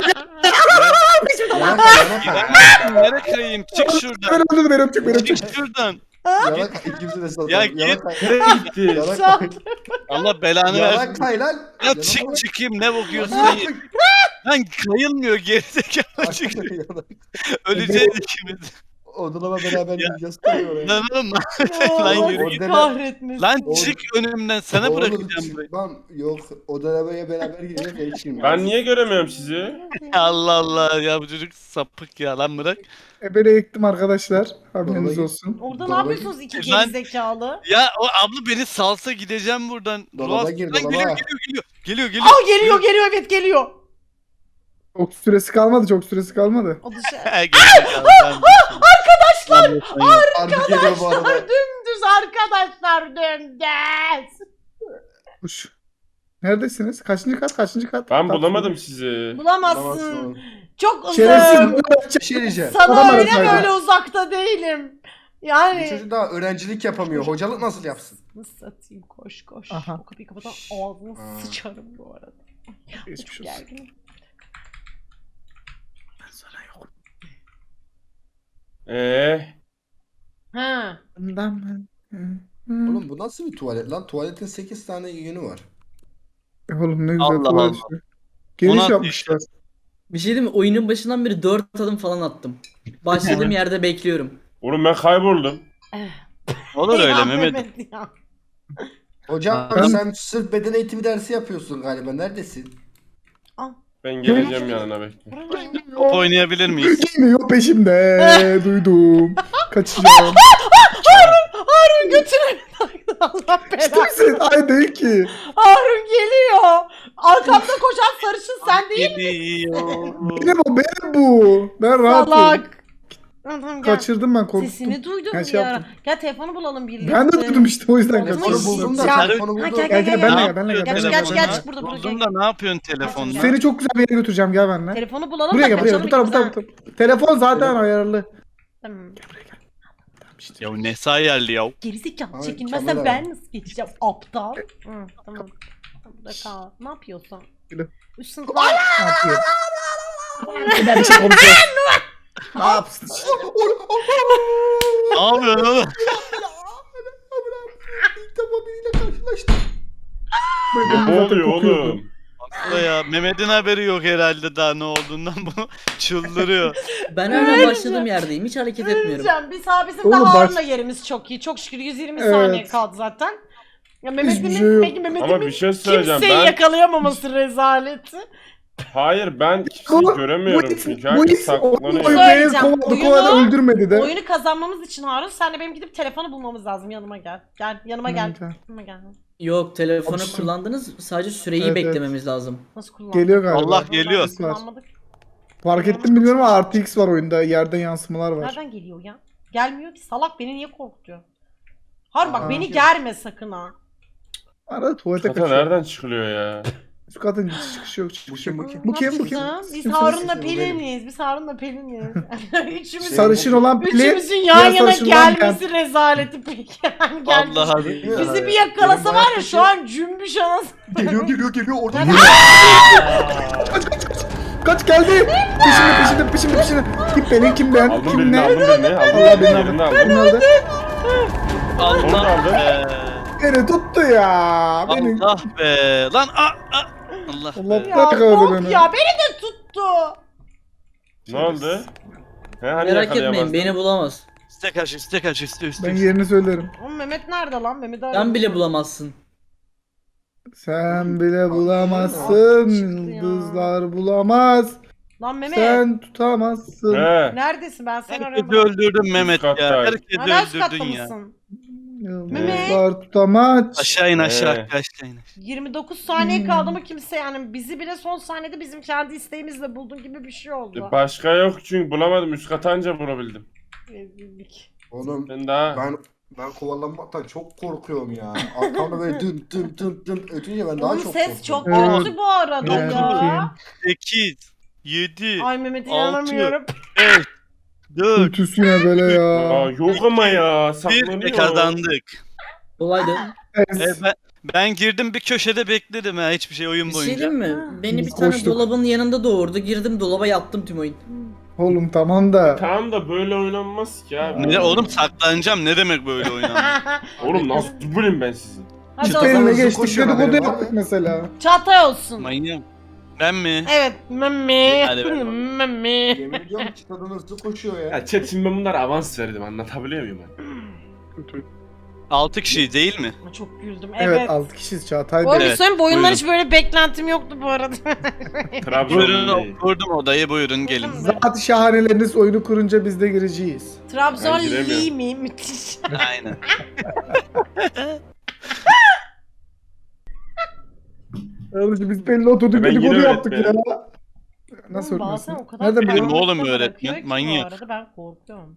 [SPEAKER 4] Yana kay.
[SPEAKER 5] Nereye kayayım? Çık şuradan.
[SPEAKER 2] Beni öptük.
[SPEAKER 5] Çık şuradan.
[SPEAKER 4] Yana kay. İkimizi de satalım.
[SPEAKER 5] Ya
[SPEAKER 4] Yana
[SPEAKER 5] git.
[SPEAKER 4] kay.
[SPEAKER 3] Nereye gitti?
[SPEAKER 4] Yana
[SPEAKER 1] Şah-
[SPEAKER 4] kay.
[SPEAKER 5] Allah belanı
[SPEAKER 4] Yana
[SPEAKER 5] versin.
[SPEAKER 4] kay lan.
[SPEAKER 5] Ya
[SPEAKER 4] Yana
[SPEAKER 5] çık
[SPEAKER 4] kay.
[SPEAKER 5] çıkayım ne bakıyorsun?
[SPEAKER 4] Yana kay.
[SPEAKER 5] Lan kayılmıyor gerizekalı çık.
[SPEAKER 4] Yana kay.
[SPEAKER 5] Öleceğiz ikimiz.
[SPEAKER 4] Odalama beraber gideceğiz. Kay oraya.
[SPEAKER 5] Lan oğlum.
[SPEAKER 1] Ya,
[SPEAKER 5] Lan
[SPEAKER 1] Allah
[SPEAKER 5] yürü
[SPEAKER 1] seni
[SPEAKER 4] git.
[SPEAKER 1] kahretmesin.
[SPEAKER 5] Lan
[SPEAKER 4] Oğlum.
[SPEAKER 5] çık önümden sana
[SPEAKER 4] Oğlum,
[SPEAKER 5] bırakacağım burayı.
[SPEAKER 4] çıkmam. Yok. Odalamaya beraber gideceğiz. Hiç girmem.
[SPEAKER 3] Ben niye göremiyorum sizi?
[SPEAKER 5] Allah Allah ya bu çocuk sapık ya lan bırak.
[SPEAKER 2] Beni ektim arkadaşlar. Haberiniz
[SPEAKER 4] Vallahi-
[SPEAKER 2] olsun.
[SPEAKER 1] Orada ne
[SPEAKER 4] Dolaba
[SPEAKER 1] yapıyorsunuz iki
[SPEAKER 5] Lan-
[SPEAKER 1] gerizekalı?
[SPEAKER 5] Ya o abla beni salsa gideceğim buradan.
[SPEAKER 4] Dolaba
[SPEAKER 5] Ruas-
[SPEAKER 4] gir,
[SPEAKER 5] Lan
[SPEAKER 4] dolaba.
[SPEAKER 5] geliyor.
[SPEAKER 1] Aa geliyor evet geliyor.
[SPEAKER 2] Çok süresi kalmadı.
[SPEAKER 1] O dışı.
[SPEAKER 5] Arkadaşlar.
[SPEAKER 4] Harbi geliyor bu arada.
[SPEAKER 1] Dümdüz arkadaşlar dümdüz.
[SPEAKER 2] Kuş. Neredesiniz? Kaçıncı kat?
[SPEAKER 3] Ben bulamadım sizi.
[SPEAKER 1] Bulamazsın.
[SPEAKER 4] Bulamazsın.
[SPEAKER 1] Çok
[SPEAKER 2] Şerefsiz.
[SPEAKER 1] uzağım.
[SPEAKER 4] Bir şey diyeceğim.
[SPEAKER 1] Sana
[SPEAKER 2] Adam
[SPEAKER 1] öyle
[SPEAKER 2] arasaydı.
[SPEAKER 1] böyle uzakta değilim.
[SPEAKER 4] Bu
[SPEAKER 1] Yani.
[SPEAKER 4] çocuk daha öğrencilik yapamıyor. Hocalık nasıl yapsın?
[SPEAKER 1] Nasıl satayım koş.
[SPEAKER 2] Aha.
[SPEAKER 1] O kapıyı kapatan ağzını
[SPEAKER 4] Ha.
[SPEAKER 1] sıçarım bu arada.
[SPEAKER 2] Geçmiş
[SPEAKER 1] Çok
[SPEAKER 2] olsun.
[SPEAKER 1] gerginim. Ha.
[SPEAKER 4] Oğlum bu nasıl bir tuvalet lan? Tuvaletin 8 tane yönü var.
[SPEAKER 2] Oğlum ne güzel
[SPEAKER 5] Allah
[SPEAKER 2] tuvalet
[SPEAKER 5] Allah.
[SPEAKER 2] işte. Geniş
[SPEAKER 5] Ona-
[SPEAKER 2] yapmışlar.
[SPEAKER 6] Bir şey diyeyim mi? Oyunun başından beri 4 adım falan attım. Başladığım yerde bekliyorum.
[SPEAKER 3] Oğlum ben kayboldum.
[SPEAKER 5] Olur öyle
[SPEAKER 1] Ya
[SPEAKER 5] Mehmet.
[SPEAKER 1] ya.
[SPEAKER 4] Hocam
[SPEAKER 2] Ben-
[SPEAKER 4] sen sırf beden eğitimi dersi yapıyorsun galiba. Neredesin?
[SPEAKER 1] Al.
[SPEAKER 3] Ben geleceğim yanına bekle.
[SPEAKER 5] Top oynayabilir miyiz?
[SPEAKER 2] Geliyor peşimde. Duydum. Kaçacağım.
[SPEAKER 1] Harun götürün. Allah
[SPEAKER 2] İşte
[SPEAKER 1] belanı.
[SPEAKER 2] misin? Ay değil ki.
[SPEAKER 1] Harun geliyor. Arkamda koşan sarışın sen değil mi?
[SPEAKER 5] Geliyor.
[SPEAKER 2] Benim bu. Ben rahatım.
[SPEAKER 1] Salak. Tamam, gel.
[SPEAKER 2] Kaçırdım ben korktum.
[SPEAKER 1] Sesini duydum
[SPEAKER 2] Ben
[SPEAKER 1] bir
[SPEAKER 2] şey
[SPEAKER 1] ara.
[SPEAKER 2] yaptım.
[SPEAKER 1] Gel telefonu bulalım birlikte.
[SPEAKER 2] Ben de duydum işte o yüzden
[SPEAKER 1] Telefonu
[SPEAKER 2] kaçırdım.
[SPEAKER 4] Telefonu buldum da.
[SPEAKER 1] Ya.
[SPEAKER 4] Telefonu
[SPEAKER 1] Ha,
[SPEAKER 4] buldum.
[SPEAKER 1] gel,
[SPEAKER 2] Gel gel
[SPEAKER 1] Ne
[SPEAKER 2] benle gel
[SPEAKER 5] yapıyor?
[SPEAKER 2] benle gel.
[SPEAKER 1] Geç
[SPEAKER 2] benle
[SPEAKER 1] geç
[SPEAKER 2] gel,
[SPEAKER 1] geç
[SPEAKER 2] benle.
[SPEAKER 1] burada burada gel.
[SPEAKER 5] Buldum da ne yapıyorsun telefonla?
[SPEAKER 2] Seni çok güzel bir yere götüreceğim gel benimle.
[SPEAKER 1] Telefonu bulalım
[SPEAKER 2] Buraya
[SPEAKER 1] da
[SPEAKER 2] gel buraya.
[SPEAKER 1] kaçalım
[SPEAKER 2] Bu taraf bu taraf.
[SPEAKER 1] ikimiz,
[SPEAKER 2] bu taraf. Telefon zaten ayarlı.
[SPEAKER 1] ha. Tamam.
[SPEAKER 5] Ya ne sayarlı ya.
[SPEAKER 1] Gerizekalı
[SPEAKER 4] Ay,
[SPEAKER 1] çekinmezsen
[SPEAKER 4] kamera.
[SPEAKER 1] ben nasıl geçeceğim aptal. Hı, tamam. Burada kal. Ne yapıyorsun?
[SPEAKER 2] Gülüm.
[SPEAKER 1] Üst sınıflar.
[SPEAKER 2] Ne yapıyor? Ben bir şey konuşuyorum. Ne yapsın?
[SPEAKER 5] Ne yapıyorsun oğlum?
[SPEAKER 4] İlk defa biriyle karşılaştım.
[SPEAKER 3] Ne oluyor oğlum?
[SPEAKER 5] Aslında ya Mehmet'in haberi yok herhalde daha ne olduğundan bu çıldırıyor.
[SPEAKER 6] Ben hala başladığım yerdeyim. Hiç hareket etmiyorum.
[SPEAKER 1] Söyleyeceğim. Bizim de
[SPEAKER 2] Oğlum bak-
[SPEAKER 1] Harun'la yerimiz çok iyi. Çok şükür 120
[SPEAKER 2] Evet.
[SPEAKER 1] saniye kaldı zaten. Ya Mehmet'imin
[SPEAKER 2] Hiçbir şey yok.
[SPEAKER 1] peki Mehmet'imin
[SPEAKER 3] Ama bir şey söyleyeceğim.
[SPEAKER 1] kimseyi
[SPEAKER 3] Ben
[SPEAKER 1] yakalayamaması rezaleti.
[SPEAKER 3] hayır ben kimseyi göremiyorum çünkü
[SPEAKER 2] bu
[SPEAKER 3] herkes
[SPEAKER 2] his
[SPEAKER 3] saklanıyor.
[SPEAKER 2] beni
[SPEAKER 1] Söyleyeceğim,
[SPEAKER 2] kovaladı
[SPEAKER 1] oyunu-
[SPEAKER 2] kovaladı öldürmedi de.
[SPEAKER 1] Oyunu kazanmamız için Harun senle benim gidip telefonu bulmamız lazım. Yanıma gel. Gel yanıma gel.
[SPEAKER 2] Gel.
[SPEAKER 1] Yanıma gel.
[SPEAKER 6] Yok telefonu
[SPEAKER 2] Alıştım.
[SPEAKER 6] kullandınız. Sadece süreyi
[SPEAKER 2] Evet,
[SPEAKER 6] beklememiz lazım.
[SPEAKER 1] Nasıl kullandın?
[SPEAKER 2] Geliyor galiba.
[SPEAKER 5] Allah geliyor.
[SPEAKER 2] Var.
[SPEAKER 1] Kullanmadık.
[SPEAKER 2] Fark ettim bilmiyorum ama artı X var oyunda. Yerden yansımalar var.
[SPEAKER 1] Nereden geliyor ya? Gelmiyor ki. Salak beni niye korkutuyor? Harun bak
[SPEAKER 4] Aa.
[SPEAKER 1] beni germe sakın ha.
[SPEAKER 2] Arada tuvalete
[SPEAKER 3] Kata
[SPEAKER 2] kaçıyor.
[SPEAKER 3] nereden çıkılıyor ya?
[SPEAKER 2] Şu kadın çıkışı yok çıkışı yok.
[SPEAKER 4] Bu kim?
[SPEAKER 2] Bu kim bu
[SPEAKER 1] Ne
[SPEAKER 2] kim?
[SPEAKER 1] yapacağız? Biz
[SPEAKER 2] Kimsiniz?
[SPEAKER 1] Harun'la
[SPEAKER 4] Bu benim.
[SPEAKER 1] Pelin'iz. Biz Harun'la Pelin'iz. Üçümüzün,
[SPEAKER 2] Sarışın olan Pelin.
[SPEAKER 1] üçümüzün yan
[SPEAKER 2] diğer
[SPEAKER 1] yana
[SPEAKER 2] sarışın olan
[SPEAKER 1] gelmesi rezaleti peki. Yani gelmiş.
[SPEAKER 5] Vallahi
[SPEAKER 1] Bizi bir yakalasa var ya şu an cümbüş anası.
[SPEAKER 4] Geliyor orada.
[SPEAKER 2] Kaç geldi. Peşinde. Kim Pelin kim ben?
[SPEAKER 3] Aldım
[SPEAKER 2] Kim
[SPEAKER 3] birini
[SPEAKER 2] ne?
[SPEAKER 3] aldım birini.
[SPEAKER 2] Allah
[SPEAKER 3] Aldım
[SPEAKER 2] beni
[SPEAKER 3] birini
[SPEAKER 2] aldı.
[SPEAKER 3] aldım.
[SPEAKER 2] Beni aldı.
[SPEAKER 3] Onu da
[SPEAKER 5] Allah
[SPEAKER 3] aldım.
[SPEAKER 5] be.
[SPEAKER 2] Beni tuttu ya. Beni.
[SPEAKER 5] Allah be. Lan Allah
[SPEAKER 2] Allah
[SPEAKER 5] be.
[SPEAKER 1] Ya
[SPEAKER 2] bırak
[SPEAKER 1] bok
[SPEAKER 2] beni.
[SPEAKER 1] ya beni de tuttu.
[SPEAKER 3] Ne oldu? He hani
[SPEAKER 6] Merak etmeyin
[SPEAKER 3] yakalayamazdın?
[SPEAKER 6] beni bulamaz.
[SPEAKER 5] İste kaç üstü.
[SPEAKER 2] Ben yerini söylerim.
[SPEAKER 1] Oğlum Mehmet nerede lan? Mehmet'i
[SPEAKER 6] Sen
[SPEAKER 1] arıyorum.
[SPEAKER 6] bile bulamazsın.
[SPEAKER 2] Sen bile
[SPEAKER 1] Çıktı
[SPEAKER 2] bulamazsın.
[SPEAKER 1] ya.
[SPEAKER 2] Yıldızlar bulamaz.
[SPEAKER 1] Lan Mehmet.
[SPEAKER 2] Sen tutamazsın.
[SPEAKER 3] He.
[SPEAKER 1] Neredesin? Ben seni
[SPEAKER 5] Herkesi
[SPEAKER 1] arıyorum.
[SPEAKER 5] öldürdün Mehmet ya.
[SPEAKER 3] kattayım.
[SPEAKER 5] Herkesi
[SPEAKER 1] Hala üst katta
[SPEAKER 5] öldürdün ya.
[SPEAKER 1] mısın?
[SPEAKER 2] Yıldızlar tutamaz.
[SPEAKER 5] Aşağı in aşağı
[SPEAKER 3] He.
[SPEAKER 5] aşağı in.
[SPEAKER 1] 29 saniye kaldı mı kimse yani bizi bile son saniyede bizim kendi isteğimizle buldun gibi bir şey oldu.
[SPEAKER 3] Başka yok çünkü bulamadım. Üst kata anca bulabildim.
[SPEAKER 1] Rezillik.
[SPEAKER 4] Oğlum
[SPEAKER 3] Ben daha...
[SPEAKER 4] ben kovalanmaktan çok korkuyorum ya. Arkamda böyle dın ötünce ben daha
[SPEAKER 1] Oğlum
[SPEAKER 4] çok
[SPEAKER 1] ses çok
[SPEAKER 2] Evet.
[SPEAKER 1] kötü bu arada
[SPEAKER 2] Evet.
[SPEAKER 1] ya.
[SPEAKER 5] 8 7
[SPEAKER 1] Ay Mehmet'e
[SPEAKER 5] Altı.
[SPEAKER 1] inanamıyorum.
[SPEAKER 5] 5 4
[SPEAKER 2] Kötüsüne böyle
[SPEAKER 3] Aa,
[SPEAKER 2] ya.
[SPEAKER 3] yok ama ya.
[SPEAKER 5] 1
[SPEAKER 3] Saklanıyor.
[SPEAKER 5] kazandık.
[SPEAKER 6] Kolaydı.
[SPEAKER 5] Ben girdim bir köşede bekledim ha hiçbir şey oyun
[SPEAKER 6] Bir şey
[SPEAKER 5] boyunca.
[SPEAKER 6] diyeyim mi?
[SPEAKER 1] Ha.
[SPEAKER 6] Beni bir
[SPEAKER 2] Biz
[SPEAKER 6] tane
[SPEAKER 2] koştuk.
[SPEAKER 6] dolabın yanında doğurdu. Girdim dolaba yattım tüm oyun.
[SPEAKER 2] Oğlum tamam da.
[SPEAKER 3] Tamam da böyle oynanmaz ki abi.
[SPEAKER 5] Ne oğlum saklanacağım ne demek böyle oynanıyor?
[SPEAKER 3] Oğlum nasıl bulayım ben sizi?
[SPEAKER 1] Hadi o
[SPEAKER 2] Çıtayla
[SPEAKER 1] zaman.
[SPEAKER 4] hızlı
[SPEAKER 2] geçtik
[SPEAKER 4] koşuyor
[SPEAKER 2] dedikodu
[SPEAKER 4] haberim var
[SPEAKER 2] yaptık
[SPEAKER 4] mı?
[SPEAKER 2] mesela.
[SPEAKER 1] Çağatay olsun.
[SPEAKER 5] Manyağım. Ben mi?
[SPEAKER 1] Evet Mami.
[SPEAKER 5] Hadi bakalım.
[SPEAKER 1] Mami.
[SPEAKER 4] Yemin ediyorum ki kadın hızlı koşuyor ya.
[SPEAKER 3] Ya chat şimdi ben bunlara avans verdim anlatabiliyor muyum ben?
[SPEAKER 5] 6 kişi değil mi?
[SPEAKER 1] Çok güldüm.
[SPEAKER 2] Evet,
[SPEAKER 1] Evet.
[SPEAKER 2] 6 kişiyiz Çağatay
[SPEAKER 1] Oğlum
[SPEAKER 2] Bey.
[SPEAKER 1] bir söyleyeyim bu oyundan
[SPEAKER 5] buyurun.
[SPEAKER 1] hiç böyle beklentim yoktu bu arada.
[SPEAKER 3] Trabzon'un değil.
[SPEAKER 5] Buyurun kurdum odayı buyurun gelin.
[SPEAKER 2] Zat şahaneleriniz oyunu kurunca biz de gireceğiz.
[SPEAKER 1] Trabzon
[SPEAKER 3] Ben giremiyorum.
[SPEAKER 1] Lee mi? Müthiş.
[SPEAKER 5] Aynen.
[SPEAKER 2] Kardeşim biz belli oturduk
[SPEAKER 3] Ben
[SPEAKER 2] dedikodu
[SPEAKER 3] yine
[SPEAKER 2] yaptık ya.
[SPEAKER 3] öğretmenim.
[SPEAKER 2] Nasıl
[SPEAKER 1] Oğlum bazen
[SPEAKER 2] öğretmensin?
[SPEAKER 1] o kadar
[SPEAKER 2] Nereden
[SPEAKER 5] Benim
[SPEAKER 2] biliyorsun?
[SPEAKER 5] oğlum
[SPEAKER 1] karanlıkta
[SPEAKER 5] öğretmen,
[SPEAKER 1] bırakıyor ki
[SPEAKER 5] manyak.
[SPEAKER 1] Bu arada ben korkuyorum.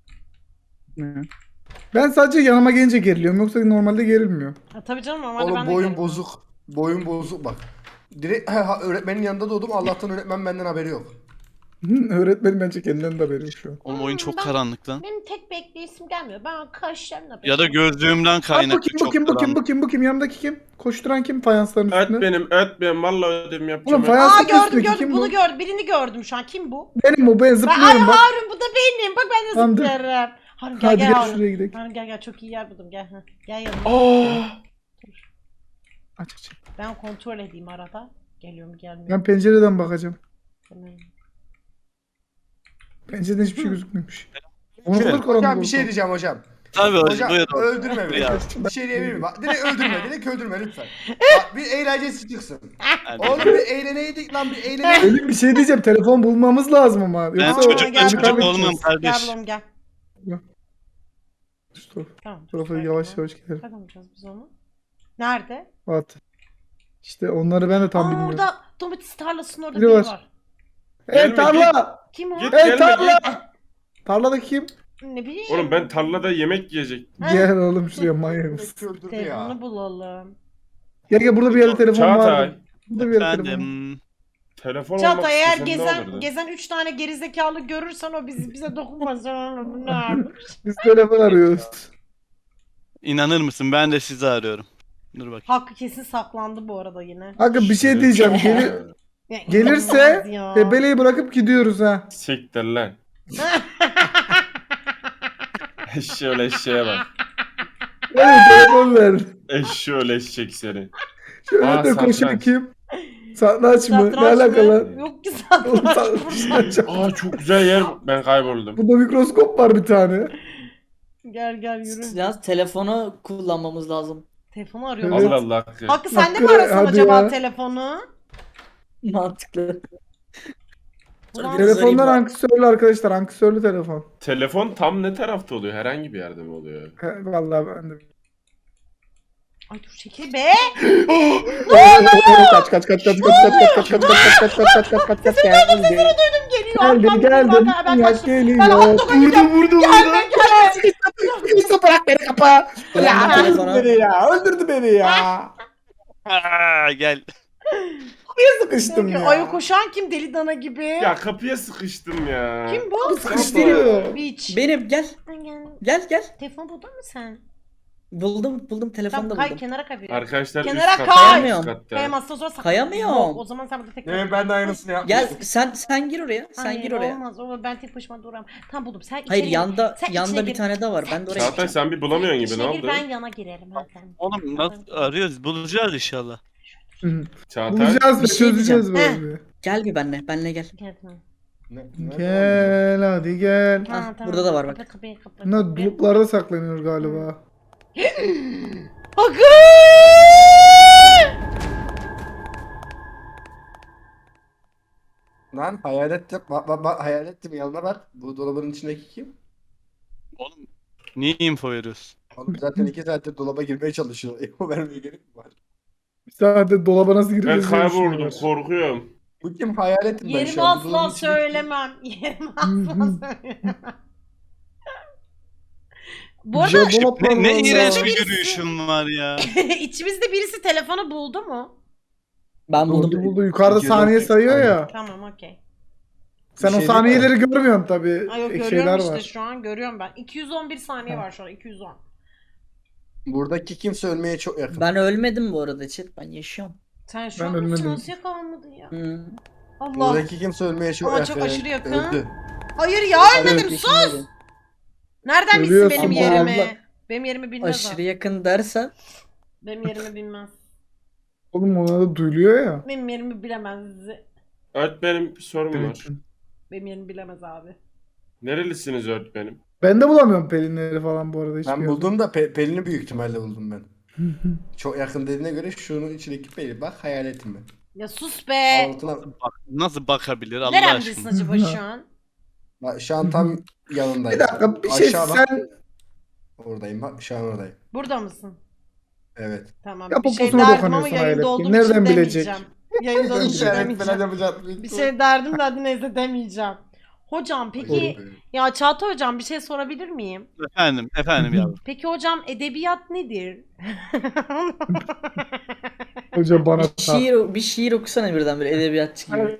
[SPEAKER 2] Ben sadece yanıma gelince geriliyorum yoksa normalde gerilmiyor.
[SPEAKER 1] Ha, tabii canım normalde ben
[SPEAKER 4] Oğlum
[SPEAKER 1] de
[SPEAKER 4] boyun
[SPEAKER 1] gelirim.
[SPEAKER 4] bozuk. Boyun bozuk bak. Direkt öğretmenin yanında doğdum. Allah'tan öğretmen benden haberi yok.
[SPEAKER 2] Öğretmenim bence kendinden de haberi yok şu an.
[SPEAKER 5] Oğlum oyun çok
[SPEAKER 1] Ben-
[SPEAKER 5] karanlık lan.
[SPEAKER 1] Benim tek bekleyisim gelmiyor. Ben kaşlarımla
[SPEAKER 5] Ya da gözlüğümden
[SPEAKER 2] Bak
[SPEAKER 5] kaynaklı
[SPEAKER 2] bakayım
[SPEAKER 5] çok
[SPEAKER 2] bakayım bakayım
[SPEAKER 5] karanlık.
[SPEAKER 2] bakayım bakayım yanımdaki kim? Koşturan kim fayansların
[SPEAKER 3] Öt
[SPEAKER 2] üstünde?
[SPEAKER 3] benim vallahi ödevimi yapacağım.
[SPEAKER 2] Oğlum
[SPEAKER 3] ben.
[SPEAKER 2] fayans
[SPEAKER 1] Aa gördüm
[SPEAKER 2] üstündeki
[SPEAKER 1] gördüm
[SPEAKER 2] kim
[SPEAKER 1] bunu
[SPEAKER 2] bu?
[SPEAKER 1] gördüm. Birini gördüm şu an. Kim bu?
[SPEAKER 2] Benim o ben
[SPEAKER 1] Ben, ay
[SPEAKER 2] zıplıyorum bak.
[SPEAKER 1] Harun bu da benim. Bak ben de
[SPEAKER 2] Tamam, dur.
[SPEAKER 1] zıplarım. Harun gel
[SPEAKER 2] Hadi
[SPEAKER 1] gel
[SPEAKER 2] gel
[SPEAKER 1] Harun.
[SPEAKER 2] şuraya gidelim.
[SPEAKER 1] Harun gel çok iyi yer buldum gel. Heh, gel yanıma.
[SPEAKER 3] Aa!
[SPEAKER 2] Aç aç.
[SPEAKER 1] Ben kontrol edeyim arada. Geliyorum gelmiyor.
[SPEAKER 2] Ben pencereden bakacağım.
[SPEAKER 1] Tamam.
[SPEAKER 2] Pencereden hiçbir şey gözükmüyormuş. Onu
[SPEAKER 4] Şimdi,
[SPEAKER 2] kadar karanlık
[SPEAKER 4] hocam bir
[SPEAKER 2] oldu.
[SPEAKER 4] şey diyeceğim hocam.
[SPEAKER 5] Tabii
[SPEAKER 4] Hocam
[SPEAKER 5] buyurun.
[SPEAKER 4] öldürme beni.
[SPEAKER 5] Ya.
[SPEAKER 4] Bir şey diyebilir miyim? Bak, direkt öldürme. Direkt öldürme lütfen. Bak, bir eğlencesi çıksın. Oğlum bir eğleneydik lan, bir eğleneydik.
[SPEAKER 2] Ölüm bir şey diyeceğim. Telefon bulmamız lazım ama.
[SPEAKER 5] Ben
[SPEAKER 2] Yoksa
[SPEAKER 5] çocuk
[SPEAKER 1] gel,
[SPEAKER 5] çocuk
[SPEAKER 1] gel.
[SPEAKER 5] olmam
[SPEAKER 1] Gel
[SPEAKER 5] kardeş.
[SPEAKER 1] bulalım gel. Tamam.
[SPEAKER 2] Tarafa yavaş yavaş gidelim.
[SPEAKER 1] Nereden bulacağız biz onu? Nerede?
[SPEAKER 2] At. İşte onları ben de tam bilmiyorum.
[SPEAKER 1] Orada domates tarlasının orada
[SPEAKER 2] Biri
[SPEAKER 1] biri
[SPEAKER 2] var.
[SPEAKER 1] var.
[SPEAKER 2] Hey tarla!
[SPEAKER 1] Kim o?
[SPEAKER 3] Git.
[SPEAKER 2] Hey
[SPEAKER 3] Gelme,
[SPEAKER 2] tarla! Tarlada kim?
[SPEAKER 1] Ne bileyim.
[SPEAKER 3] Oğlum ben tarlada yemek yiyecektim.
[SPEAKER 2] Gel oğlum şuraya manyak mısın?
[SPEAKER 4] Direkt öldürdü ya.
[SPEAKER 1] Telefonu bulalım.
[SPEAKER 2] Gel burada bir yerde telefon var.
[SPEAKER 3] Çağatay.
[SPEAKER 2] Burada bir yerde telefon.
[SPEAKER 5] Efendim.
[SPEAKER 3] Telefon olmak
[SPEAKER 1] Çağatay eğer
[SPEAKER 3] istesen ne olurdu?
[SPEAKER 1] gezen 3 tane gerizekalı görürsen o bize dokunmaz. Ne yapmış?
[SPEAKER 2] Biz telefon arıyoruz.
[SPEAKER 5] İnanır mısın? Ben de sizi arıyorum. Dur bakayım.
[SPEAKER 1] Hakkı kesin saklandı bu arada yine.
[SPEAKER 2] Hakkı bir şey diyeceğim.
[SPEAKER 1] Ya,
[SPEAKER 2] Gelirse
[SPEAKER 1] inanılmaz ya.
[SPEAKER 2] tebeleyi bırakıp gidiyoruz ha.
[SPEAKER 3] Siktir lan. Eşşoğlu eşeğe bak.
[SPEAKER 2] Evet telefon ver.
[SPEAKER 3] Eşşoğlu eşek seni.
[SPEAKER 2] Şöyle
[SPEAKER 3] Aa,
[SPEAKER 2] de koşan
[SPEAKER 3] satranç.
[SPEAKER 2] kim? Satranç mı? Ne
[SPEAKER 1] Satranç mı?
[SPEAKER 2] alakalı?
[SPEAKER 1] Yok ki
[SPEAKER 2] Oğlum,
[SPEAKER 1] satranç.
[SPEAKER 2] satranç.
[SPEAKER 3] Aa çok güzel yer. Ben kayboldum.
[SPEAKER 2] Burada mikroskop var bir tane.
[SPEAKER 1] Gel yürü.
[SPEAKER 6] Yalnız telefonu kullanmamız lazım.
[SPEAKER 1] Telefonu arıyorum.
[SPEAKER 2] Evet.
[SPEAKER 3] Allah Allah Hakkı.
[SPEAKER 1] Hakkı sen de mi
[SPEAKER 2] Hakkı,
[SPEAKER 1] arasan
[SPEAKER 2] hadi
[SPEAKER 1] acaba
[SPEAKER 2] ya.
[SPEAKER 1] telefonu?
[SPEAKER 6] Mantıklı.
[SPEAKER 1] Ulan,
[SPEAKER 2] Telefonlar ankesörlü arkadaşlar. Ankesörlü telefon.
[SPEAKER 3] Telefon tam ne tarafta oluyor? Herhangi bir yerde mi oluyor?
[SPEAKER 2] He, vallahi ben de.
[SPEAKER 1] Ay dur çekil be.
[SPEAKER 2] Kaç kaç kaç kaç kaç kaç kaç kaç kaç kaç kaç kaç kaç kaç geldi.
[SPEAKER 1] Geliyor.
[SPEAKER 2] Geldim geldim.
[SPEAKER 1] Ben
[SPEAKER 2] Ya
[SPEAKER 1] kaçtım.
[SPEAKER 2] geliyor.
[SPEAKER 1] Ben hot dog'a gidiyorum.
[SPEAKER 2] Vurdu.
[SPEAKER 1] Gelme.
[SPEAKER 2] Kimse bırak beni kapa.
[SPEAKER 6] Bırak
[SPEAKER 2] Ya öldürdü
[SPEAKER 6] telefonu.
[SPEAKER 2] beni ya. Öldürdü beni ya.
[SPEAKER 5] Aa, gel.
[SPEAKER 2] Niye sıkıştım ya?
[SPEAKER 1] Ayı koşan kim deli dana gibi?
[SPEAKER 3] Ya kapıya sıkıştım ya.
[SPEAKER 1] Kim bu?
[SPEAKER 2] Sıkıştırıyor.
[SPEAKER 1] Beach.
[SPEAKER 6] Benim gel. Gel.
[SPEAKER 1] Telefon buldun mu sen?
[SPEAKER 6] Buldum telefonda
[SPEAKER 1] Tamam kay
[SPEAKER 6] buldum.
[SPEAKER 1] kenara kay.
[SPEAKER 3] Arkadaşlar
[SPEAKER 1] Kenara
[SPEAKER 3] üst katta.
[SPEAKER 1] kay.
[SPEAKER 3] Üst katta.
[SPEAKER 1] Kayamazsan o zaman saklan.
[SPEAKER 6] Kayamıyorum.
[SPEAKER 1] Yok, o zaman sen burada tek
[SPEAKER 4] Evet ben de aynısını yaptım.
[SPEAKER 6] Gel sen gir oraya. Sen
[SPEAKER 1] Hayır,
[SPEAKER 6] gir oraya.
[SPEAKER 1] olmaz. O ben tek başıma duramam. Tamam buldum. Sen
[SPEAKER 6] Hayır
[SPEAKER 1] içeri
[SPEAKER 6] yanda
[SPEAKER 1] Sen içine
[SPEAKER 6] yanda bir
[SPEAKER 1] gir.
[SPEAKER 6] tane daha var. Ben de oraya
[SPEAKER 3] Çağatay
[SPEAKER 6] gideceğim.
[SPEAKER 3] sen bir bulamıyorsun gibi
[SPEAKER 1] İçine
[SPEAKER 3] ne
[SPEAKER 1] gir,
[SPEAKER 3] oldu?
[SPEAKER 1] ben yana girelim. Hadi sen.
[SPEAKER 5] Oğlum nasıl arıyoruz? Bulacağız inşallah.
[SPEAKER 3] Çağatay.
[SPEAKER 2] Bulacağız ve
[SPEAKER 6] Bir şey
[SPEAKER 2] çözeceğiz
[SPEAKER 1] diyeceğim.
[SPEAKER 2] böyle.
[SPEAKER 6] Gel bir benle gel.
[SPEAKER 1] Gel tamam.
[SPEAKER 2] Gel hadi gel.
[SPEAKER 1] Tamam, tamam.
[SPEAKER 6] burada da var bak.
[SPEAKER 1] Kapa kapıyı kapa.
[SPEAKER 2] Bunlar bulutlarda saklanıyor galiba.
[SPEAKER 1] Hakkı!
[SPEAKER 4] Lan hayalet yap. Bak hayalet mi? Yanına bak. Bu dolabın içindeki kim?
[SPEAKER 5] Oğlum niye info veriyorsun?
[SPEAKER 4] Oğlum zaten 2 saattir dolaba girmeye çalışıyor. Eko vermeye gerek mi var?
[SPEAKER 2] Bir saatte dolaba nasıl
[SPEAKER 3] Ben
[SPEAKER 2] gireceğiz? diye
[SPEAKER 3] kayboldum
[SPEAKER 2] düşünüyorlar.
[SPEAKER 3] korkuyorum.
[SPEAKER 4] Bu kim hayaletim ben
[SPEAKER 1] Yerimi
[SPEAKER 4] şu an. Bu
[SPEAKER 1] asla
[SPEAKER 4] dolabın içindeki kim?
[SPEAKER 1] söylemem. Yerimi asla söylemem. Bu arada
[SPEAKER 2] Jabon atlar
[SPEAKER 5] Ne
[SPEAKER 2] vallahi.
[SPEAKER 5] iğrenç bir
[SPEAKER 1] birisi-
[SPEAKER 5] yürüyüşüm var ya.
[SPEAKER 1] içimizde birisi telefonu buldu mu?
[SPEAKER 6] Ben buldum.
[SPEAKER 2] Buldu. Yukarıda saniye sayıyor ya.
[SPEAKER 1] Tamam okey.
[SPEAKER 2] Sen
[SPEAKER 4] Bir
[SPEAKER 2] o
[SPEAKER 4] şey
[SPEAKER 2] saniyeleri görmüyorsun tabii.
[SPEAKER 1] Ay yok
[SPEAKER 2] Şeyler
[SPEAKER 1] görüyorum işte
[SPEAKER 2] var.
[SPEAKER 1] şu an görüyorum ben. 211 saniye
[SPEAKER 2] Ha.
[SPEAKER 1] var şu an 210.
[SPEAKER 4] Buradaki kimse ölmeye çok yakın.
[SPEAKER 6] Ben ölmedim bu arada chat. Ben yaşıyorum.
[SPEAKER 1] Sen şu
[SPEAKER 2] Ben
[SPEAKER 1] an
[SPEAKER 2] ölmedim.
[SPEAKER 1] nasıl yakalanmadın ya?
[SPEAKER 6] Hı.
[SPEAKER 1] Allah.
[SPEAKER 4] Buradaki kimse ölmeye çok
[SPEAKER 1] Ama
[SPEAKER 4] yakın.
[SPEAKER 1] çok aşırı yakın.
[SPEAKER 4] Öldü.
[SPEAKER 1] Hayır ya ölmedim
[SPEAKER 6] Evet,
[SPEAKER 1] sus.
[SPEAKER 6] yaşındayım.
[SPEAKER 1] Nereden bilsin
[SPEAKER 2] Ölüyorsun
[SPEAKER 1] benim
[SPEAKER 2] bu
[SPEAKER 1] yerimi?
[SPEAKER 2] arada.
[SPEAKER 1] Benim yerimi bilmez
[SPEAKER 6] Aşırı
[SPEAKER 1] o.
[SPEAKER 6] yakın dersen
[SPEAKER 1] Benim yerimi bilmez.
[SPEAKER 2] Oğlum ona da duyuluyor ya.
[SPEAKER 1] Benim yerimi bilemez.
[SPEAKER 3] Öğretmenim bir sorum var.
[SPEAKER 2] Evet.
[SPEAKER 1] Benim yerimi bilemez abi.
[SPEAKER 3] Nerelisiniz öğretmenim?
[SPEAKER 2] Ben de bulamıyorum pelinleri falan bu arada. hiçbir
[SPEAKER 4] Ben
[SPEAKER 2] yerde.
[SPEAKER 4] buldum da Pelin'i büyük ihtimalle buldum ben. Çok yakın dediğine göre şunun içindeki Pelin. Bak hayaletim ben.
[SPEAKER 1] Ya sus be.
[SPEAKER 4] Altına
[SPEAKER 5] Nasıl bakabilir Allah
[SPEAKER 1] Neremdesin
[SPEAKER 5] aşkına?
[SPEAKER 1] acaba şu an?
[SPEAKER 4] bak şu an tam yanındayım.
[SPEAKER 2] Bir dakika bir şey
[SPEAKER 4] Aşağı bak.
[SPEAKER 2] sen
[SPEAKER 4] Oradayım bak şu an oradayım.
[SPEAKER 1] Burada mısın?
[SPEAKER 4] Evet.
[SPEAKER 1] Tamam.
[SPEAKER 2] Ya
[SPEAKER 1] Bir şey
[SPEAKER 2] poposuna
[SPEAKER 1] derdim ama
[SPEAKER 2] dokunuyorsun
[SPEAKER 1] yayında
[SPEAKER 2] hayret
[SPEAKER 1] olduğum
[SPEAKER 2] ki. Nereden
[SPEAKER 1] için
[SPEAKER 2] bilecek?
[SPEAKER 1] demeyeceğim. Yayında olduğum için
[SPEAKER 4] İşaret falan
[SPEAKER 1] demeyeceğim.
[SPEAKER 4] yapacağım.
[SPEAKER 1] Bir şey derdim de hadi neyse demeyeceğim. Hocam peki ya Çağatay hocam bir şey sorabilir miyim?
[SPEAKER 5] Efendim yavrum.
[SPEAKER 1] Peki hocam edebiyat nedir?
[SPEAKER 2] Hoca bana
[SPEAKER 6] bir şiir okusana birden bir edebiyatçı gibi.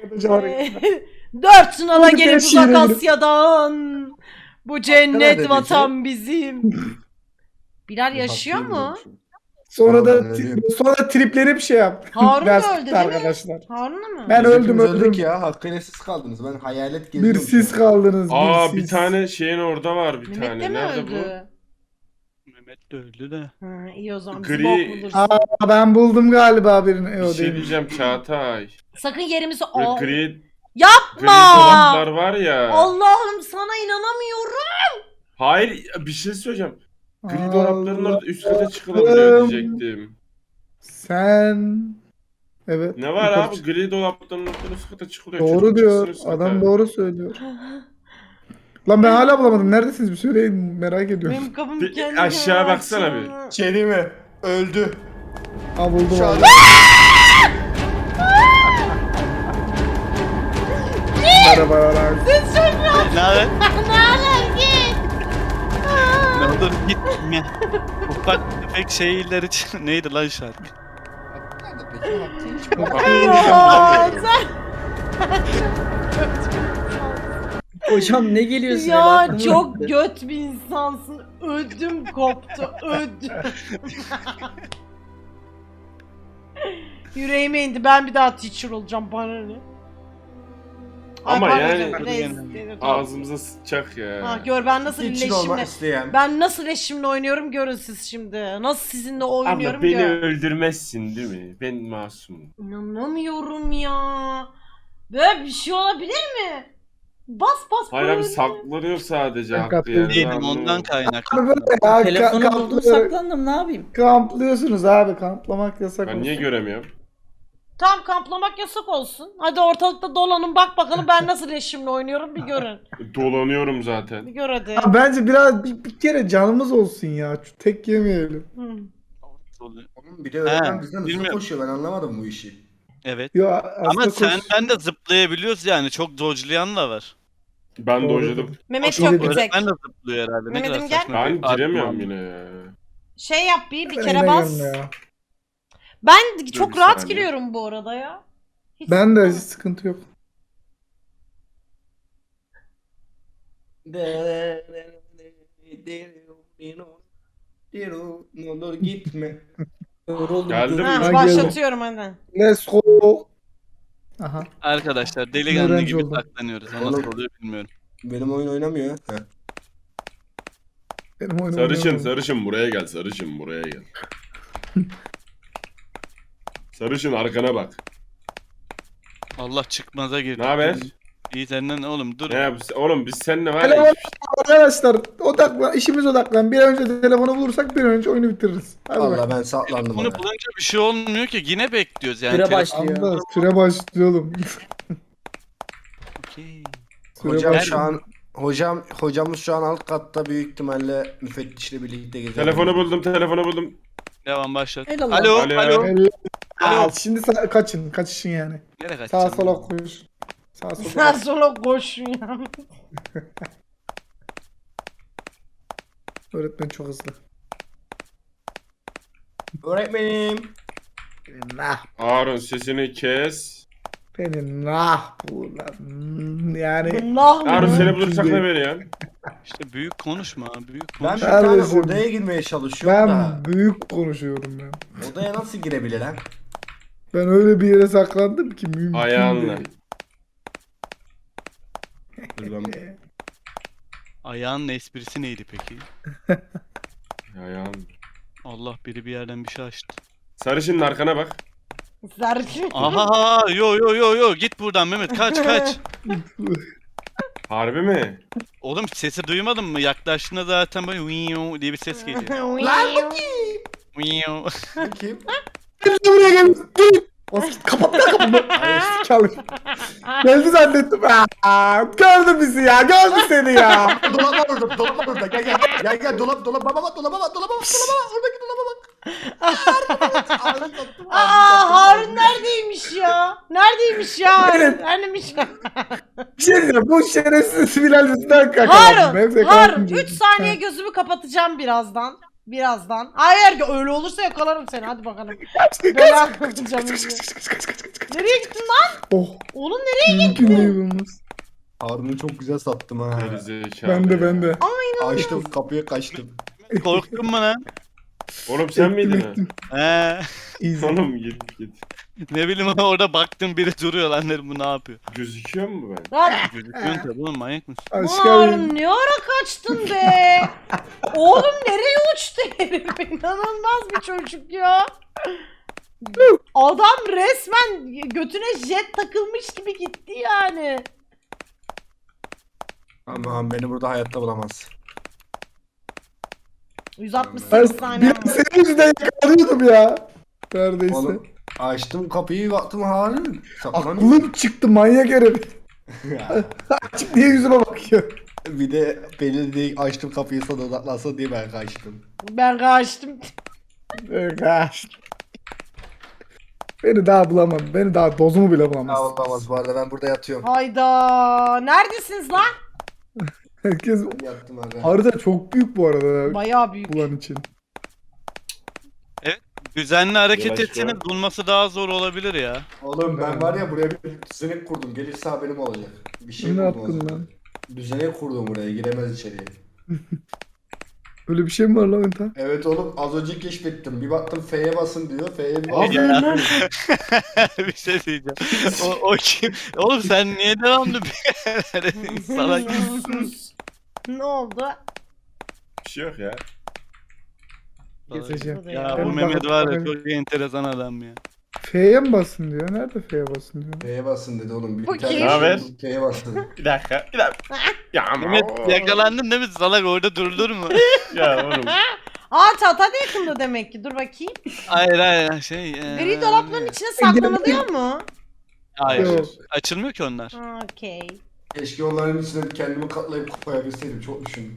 [SPEAKER 1] Dört sınava
[SPEAKER 2] Hadi
[SPEAKER 1] gelip
[SPEAKER 2] ben şiire
[SPEAKER 1] uzak
[SPEAKER 2] girip-
[SPEAKER 1] Asya'dan bu
[SPEAKER 4] Hakkı
[SPEAKER 1] cennet
[SPEAKER 4] nerede
[SPEAKER 1] vatan bizim. Bilal yaşıyor mu?
[SPEAKER 2] Sonra da
[SPEAKER 4] Ben
[SPEAKER 2] sonra tripleri bir şey yap.
[SPEAKER 1] Harun
[SPEAKER 2] Ders
[SPEAKER 1] da öldü
[SPEAKER 2] bitti
[SPEAKER 1] değil mi?
[SPEAKER 2] arkadaşlar.
[SPEAKER 1] Harun'a mı?
[SPEAKER 2] Ben öldüm, öldüm.
[SPEAKER 4] öldük ya. Hakkıyla siz kaldınız. Ben hayalet
[SPEAKER 2] Bir
[SPEAKER 4] geziyorum.
[SPEAKER 2] siz kaldınız.
[SPEAKER 3] Aa
[SPEAKER 2] bir
[SPEAKER 3] bir
[SPEAKER 2] siz.
[SPEAKER 3] tane şeyin orada var bir
[SPEAKER 1] Mehmet de
[SPEAKER 3] tane.
[SPEAKER 1] mi
[SPEAKER 3] Nerede bu?
[SPEAKER 1] öldü?
[SPEAKER 5] Mehmet de öldü de.
[SPEAKER 1] Ha, iyi o zaman bizi
[SPEAKER 3] Gri-
[SPEAKER 1] bok bulursun.
[SPEAKER 2] Aa ben buldum galiba birini.
[SPEAKER 3] Bir
[SPEAKER 2] O
[SPEAKER 3] şey
[SPEAKER 2] değil.
[SPEAKER 3] diyeceğim Çağatay.
[SPEAKER 1] Sakın yerimizi...
[SPEAKER 3] Böyle
[SPEAKER 1] Aa,
[SPEAKER 3] gri, gri
[SPEAKER 1] yapma!
[SPEAKER 3] dolaplar var ya.
[SPEAKER 1] Allah'ım sana inanamıyorum.
[SPEAKER 3] Hayır bir şey söyleyeceğim. Gri
[SPEAKER 2] Allah
[SPEAKER 3] dolapların orada üst kata çıkılabiliyor diyecektim.
[SPEAKER 2] Sen... Evet.
[SPEAKER 3] Ne var
[SPEAKER 2] yukarı
[SPEAKER 3] abi?
[SPEAKER 2] çık.
[SPEAKER 3] Gri dolapların orada üst kata çıkılıyor.
[SPEAKER 2] Doğru
[SPEAKER 3] Çocuk
[SPEAKER 2] diyor.
[SPEAKER 3] çıksın üst kata.
[SPEAKER 2] Adam doğru söylüyor. Lan ben hala bulamadım. Neredesiniz? Bir söyleyin. Merak ediyorum.
[SPEAKER 1] Benim kapım
[SPEAKER 3] Bir
[SPEAKER 1] kendi
[SPEAKER 3] aşağı baksana bir.
[SPEAKER 4] Şey değil mi? Öldü.
[SPEAKER 2] Ha buldum
[SPEAKER 4] Şu an
[SPEAKER 2] abi. Merhabalar.
[SPEAKER 5] Ne haber?
[SPEAKER 1] Ne alaka git.
[SPEAKER 5] Ne olur gitme. Ufak tefek şeyler için. Neydi lan şarkı?
[SPEAKER 1] Ya sen
[SPEAKER 6] Hocam ne geliyorsun?
[SPEAKER 1] ya çok göt bir insansın. Ödüm koptu. Ödüm. Yüreğime indi. Ben bir daha teacher olacağım. Bana ne? Ay,
[SPEAKER 3] Ama
[SPEAKER 1] pardon
[SPEAKER 3] yani-
[SPEAKER 1] canım, reis.
[SPEAKER 3] Ağzımıza sıçacak ya.
[SPEAKER 1] Ha, gör ben nasıl
[SPEAKER 4] için olmak
[SPEAKER 1] iletişimle.
[SPEAKER 4] isteyen.
[SPEAKER 1] Ben nasıl iletişimle oynuyorum görün siz şimdi. Nasıl sizinle
[SPEAKER 3] Abla
[SPEAKER 1] oynuyorum
[SPEAKER 3] beni
[SPEAKER 1] gör.
[SPEAKER 3] öldürmezsin değil mi? Ben masumum.
[SPEAKER 1] İnanamıyorum ya. Böyle bir şey olabilir mi? Bas bas
[SPEAKER 3] Hayır
[SPEAKER 1] böyle.
[SPEAKER 3] abi saklanıyor sadece
[SPEAKER 2] Ben
[SPEAKER 3] hakkı
[SPEAKER 2] katılıyorum.
[SPEAKER 3] yani.
[SPEAKER 5] Değilim
[SPEAKER 3] Anlamadım.
[SPEAKER 5] ondan kaynaklı.
[SPEAKER 2] Abi böyle ya.
[SPEAKER 6] Telefonu buldum
[SPEAKER 2] kamplıyor-
[SPEAKER 6] saklandım ne yapayım?
[SPEAKER 2] Kamplıyorsunuz abi. Kamplamak yasak
[SPEAKER 3] Ben
[SPEAKER 2] olsun.
[SPEAKER 3] niye göremiyorum?
[SPEAKER 1] Tam kamplamak yasak olsun. Hadi ortalıkta dolanın bak bakalım ben nasıl iletişimle oynuyorum bir görün.
[SPEAKER 3] Dolanıyorum
[SPEAKER 1] Bir
[SPEAKER 3] zaten.
[SPEAKER 1] gör hadi.
[SPEAKER 2] Ha, bence biraz bir kere canımız olsun ya. Şu tek yemeyelim.
[SPEAKER 1] Hı.
[SPEAKER 4] Oğlum bir de öğretmen
[SPEAKER 5] He,
[SPEAKER 4] bizden hızlı
[SPEAKER 5] bilmiyorum.
[SPEAKER 4] koşuyor. Ben anlamadım bu işi.
[SPEAKER 5] Evet.
[SPEAKER 2] Yo,
[SPEAKER 5] Ama
[SPEAKER 2] aslında
[SPEAKER 5] sen
[SPEAKER 2] koş-
[SPEAKER 5] ben de zıplayabiliyoruz yani. Çok dodge'layan da var.
[SPEAKER 3] Ben
[SPEAKER 2] Doğru.
[SPEAKER 3] dojladım.
[SPEAKER 1] Mehmet
[SPEAKER 2] Doğru.
[SPEAKER 1] yok bir tek.
[SPEAKER 5] Öğretmen de zıplıyor herhalde. Ne
[SPEAKER 1] Mehmet'im
[SPEAKER 5] kadar
[SPEAKER 1] gel.
[SPEAKER 5] saçma.
[SPEAKER 3] Ben
[SPEAKER 5] bir
[SPEAKER 3] giremiyorum
[SPEAKER 5] argüman.
[SPEAKER 3] yine ya.
[SPEAKER 1] Şey yap bir
[SPEAKER 2] Ben
[SPEAKER 1] kere
[SPEAKER 2] yine
[SPEAKER 1] bas.
[SPEAKER 2] gelme ya.
[SPEAKER 1] Ben çok
[SPEAKER 3] bir
[SPEAKER 1] rahat
[SPEAKER 3] saniye.
[SPEAKER 1] giriyorum bu arada ya. Hiç
[SPEAKER 2] Ben de hiç
[SPEAKER 1] sıkıntı
[SPEAKER 2] sıkıntı yok.
[SPEAKER 4] Ne olur gitme.
[SPEAKER 6] Yoruldum.
[SPEAKER 3] Geldim.
[SPEAKER 1] yok.
[SPEAKER 3] Ha,
[SPEAKER 1] Ha,
[SPEAKER 2] geldim.
[SPEAKER 1] başlatıyorum hadi.
[SPEAKER 2] Let's go. Aha.
[SPEAKER 5] Arkadaşlar delikanlı
[SPEAKER 2] Öğrenci
[SPEAKER 5] gibi
[SPEAKER 2] oldum.
[SPEAKER 5] saklanıyoruz. Nasıl
[SPEAKER 4] Oğlum.
[SPEAKER 5] oluyor bilmiyorum.
[SPEAKER 4] Benim oyun oynamıyor. He.
[SPEAKER 2] Benim oyunum
[SPEAKER 3] Sarışın
[SPEAKER 2] oynayamam.
[SPEAKER 3] sarışın buraya gel sarışın buraya gel. Sarışın arkana bak.
[SPEAKER 5] Allah çıkmaza girdi.
[SPEAKER 3] Ne haber?
[SPEAKER 5] İyi senden ne oğlum dur.
[SPEAKER 3] Ne yap? Oğlum biz seninle var
[SPEAKER 2] Telefon
[SPEAKER 3] ya.
[SPEAKER 2] arkadaşlar odaklan, işimiz odaklan. Bir an önce telefonu bulursak bir an önce oyunu bitiririz. Hadi
[SPEAKER 4] Allah
[SPEAKER 2] bak.
[SPEAKER 4] ben saklandım
[SPEAKER 5] Bunu
[SPEAKER 4] oraya.
[SPEAKER 5] bulunca bir şey olmuyor ki. Yine bekliyoruz yani.
[SPEAKER 6] Süre
[SPEAKER 5] Telefon-
[SPEAKER 6] başlıyor.
[SPEAKER 2] Anda süre başlıyor oğlum.
[SPEAKER 5] Okey.
[SPEAKER 2] Süre
[SPEAKER 4] Hocam
[SPEAKER 2] başlıyor.
[SPEAKER 4] şu an hocamız şu an alt katta büyük ihtimalle müfettişle birlikte geziyor.
[SPEAKER 3] Telefonu buldum.
[SPEAKER 5] Devam başlat.
[SPEAKER 6] Helal
[SPEAKER 5] Alo,
[SPEAKER 3] Alo.
[SPEAKER 5] alo.
[SPEAKER 2] Al, şimdi kaçın yani.
[SPEAKER 5] Nereye
[SPEAKER 2] Sağa
[SPEAKER 5] kaçacaksın?
[SPEAKER 2] sola koş. Sağa
[SPEAKER 1] Sen
[SPEAKER 2] sola.
[SPEAKER 1] sonra koşun ya.
[SPEAKER 2] Öğretmen çok hızlı.
[SPEAKER 4] Öğretmenim.
[SPEAKER 2] Nah.
[SPEAKER 3] Harun sesini kes.
[SPEAKER 2] Beni nah bu lan. Yani
[SPEAKER 1] Allah
[SPEAKER 3] Harun
[SPEAKER 1] mı?
[SPEAKER 3] seni bulursak ne veriyorsun?
[SPEAKER 5] İşte büyük konuşma. Büyük
[SPEAKER 4] Ben
[SPEAKER 5] konuş.
[SPEAKER 4] bir tane
[SPEAKER 2] Kardeşim,
[SPEAKER 4] odaya girmeye çalışıyorum da.
[SPEAKER 2] ben büyük konuşuyorum ben.
[SPEAKER 4] Odaya nasıl girebilirim?
[SPEAKER 2] Ben öyle bir yere saklandım ki mümkün
[SPEAKER 3] Ayağınla.
[SPEAKER 2] değil.
[SPEAKER 4] Dur ben
[SPEAKER 5] Ayağının esprisi neydi peki?
[SPEAKER 3] Ayağın.
[SPEAKER 5] Allah biri bir yerden bir şey açtı.
[SPEAKER 3] Sarışının arkana bak.
[SPEAKER 1] Sarışın.
[SPEAKER 5] Aha yo git buradan Mehmet kaç.
[SPEAKER 3] Harbi mi?
[SPEAKER 5] Oğlum sesi duymadın mı? Yaklaştığında zaten böyle "Wiyo" diye bir ses geliyor. "Wiyo."
[SPEAKER 4] kim?
[SPEAKER 2] Gel buraya gel. Kapat lan kapımı. Çalış. Geldi zannettim. Aa, gördü bizi ya. Gördü seni ya.
[SPEAKER 4] Dolap var orada, dolap var orada. Gel, dolap, baba bak, dolaba bak, oradaki dolaba bak.
[SPEAKER 1] Aa Harun neredeymiş ya? Neredeymiş ya Harun? Neredeymiş ya?
[SPEAKER 2] Bir şey diyeceğim. Bu şerefsiz Bilal yüzünden kakaladım.
[SPEAKER 1] Harun 3 saniye gözümü kapatacağım birazdan. Hayır öyle olursa yakalarım seni hadi bakalım. Bela kapatacağım. Nereye gittin lan?
[SPEAKER 2] Oh.
[SPEAKER 1] Oğlum nereye
[SPEAKER 2] Mümkün değil olmaz.
[SPEAKER 4] Harun'u çok güzel sattım ha.
[SPEAKER 3] Gerizekalı
[SPEAKER 2] Ben de.
[SPEAKER 3] ya.
[SPEAKER 4] Açtım, kapıya kaçtım.
[SPEAKER 5] Korktun mu lan?
[SPEAKER 3] Oğlum sen miydin ha?
[SPEAKER 5] He.
[SPEAKER 2] Easy.
[SPEAKER 3] Oğlum git.
[SPEAKER 5] Ne bileyim orada baktım biri duruyor lan dedim bu ne yapıyor?
[SPEAKER 3] Gözüküyor mu ben?
[SPEAKER 1] Lan
[SPEAKER 5] Gözüküyorsun tabii oğlum manyak mısın?
[SPEAKER 2] Aşk abi.
[SPEAKER 1] Harun ne ara kaçtın be? Oğlum nereye uçtu herif? İnanılmaz bir çocuk ya. Adam resmen götüne jet takılmış gibi gitti yani.
[SPEAKER 4] Aman beni burada hayatta bulamaz.
[SPEAKER 1] 168 saniye.
[SPEAKER 2] Bir senin yüzünden yakalıyordum ya. Neredeyse.
[SPEAKER 4] Oğlum açtım kapıyı baktım halin. Saklanıyor.
[SPEAKER 2] Aklım çıktı manyak herif. Açık diye yüzüme bakıyor.
[SPEAKER 4] Bir de beni de açtım kapıyı sana odaklansın diye ben kaçtım.
[SPEAKER 1] Ben kaçtım.
[SPEAKER 2] Kaç. Beni daha bulamam. Beni daha dozumu bile bulamaz.
[SPEAKER 4] Olamaz bu arada ben burada yatıyorum.
[SPEAKER 1] Hayda. Neredesiniz lan?
[SPEAKER 2] Herkes
[SPEAKER 4] Yattım abi.
[SPEAKER 2] harita çok büyük bu arada.
[SPEAKER 1] Bayağı büyük.
[SPEAKER 2] Bulan için.
[SPEAKER 5] Düzenli hareket
[SPEAKER 3] Yavaş
[SPEAKER 5] etseniz
[SPEAKER 3] ya.
[SPEAKER 5] bulması daha zor olabilir ya.
[SPEAKER 4] Oğlum ben var ya buraya bir düzenek kurdum. Gelirse haberim olacak. Bir şey
[SPEAKER 2] Ne
[SPEAKER 4] buldum
[SPEAKER 2] yaptın
[SPEAKER 4] aslında.
[SPEAKER 2] lan?
[SPEAKER 4] Düzenek kurdum buraya giremez içeriye.
[SPEAKER 2] Öyle bir şey mi var lan Enta?
[SPEAKER 4] Evet oğlum az önce keşfettim. Bir baktım F'ye basın diyor. F'ye bir
[SPEAKER 2] Abi
[SPEAKER 5] Ya.
[SPEAKER 2] lan.
[SPEAKER 5] Bir şey diyeceğim. O kim? Oğlum sen niye devamlı bir salak
[SPEAKER 1] Ne oldu?
[SPEAKER 3] Bir şey yok ya.
[SPEAKER 2] Geçeceğim.
[SPEAKER 5] Ya
[SPEAKER 2] Ben
[SPEAKER 5] bu Mehmet var ya
[SPEAKER 2] bakayım.
[SPEAKER 5] çok enteresan adam ya.
[SPEAKER 2] F'ye mi basın diyor? Nerede F'ye basın diyor?
[SPEAKER 4] F'ye basın dedi oğlum. Bir
[SPEAKER 1] Bu
[SPEAKER 4] tane
[SPEAKER 1] kim?
[SPEAKER 3] Ne haber?
[SPEAKER 4] F'ye basın.
[SPEAKER 3] Bir dakika. Ya ama
[SPEAKER 5] Mehmet yakalandın değil mi? Salak orada durulur mu?
[SPEAKER 3] Ya oğlum.
[SPEAKER 1] Aa tahta da yakında demek ki. Dur bakayım.
[SPEAKER 5] Hayır şey.
[SPEAKER 1] Gri dolapların içine saklanılıyor mu?
[SPEAKER 5] Hayır.
[SPEAKER 2] Yok.
[SPEAKER 5] Açılmıyor ki onlar.
[SPEAKER 1] Ha, okey.
[SPEAKER 4] Keşke onların içine kendimi katlayıp koyabilseydim. Çok düşündüm.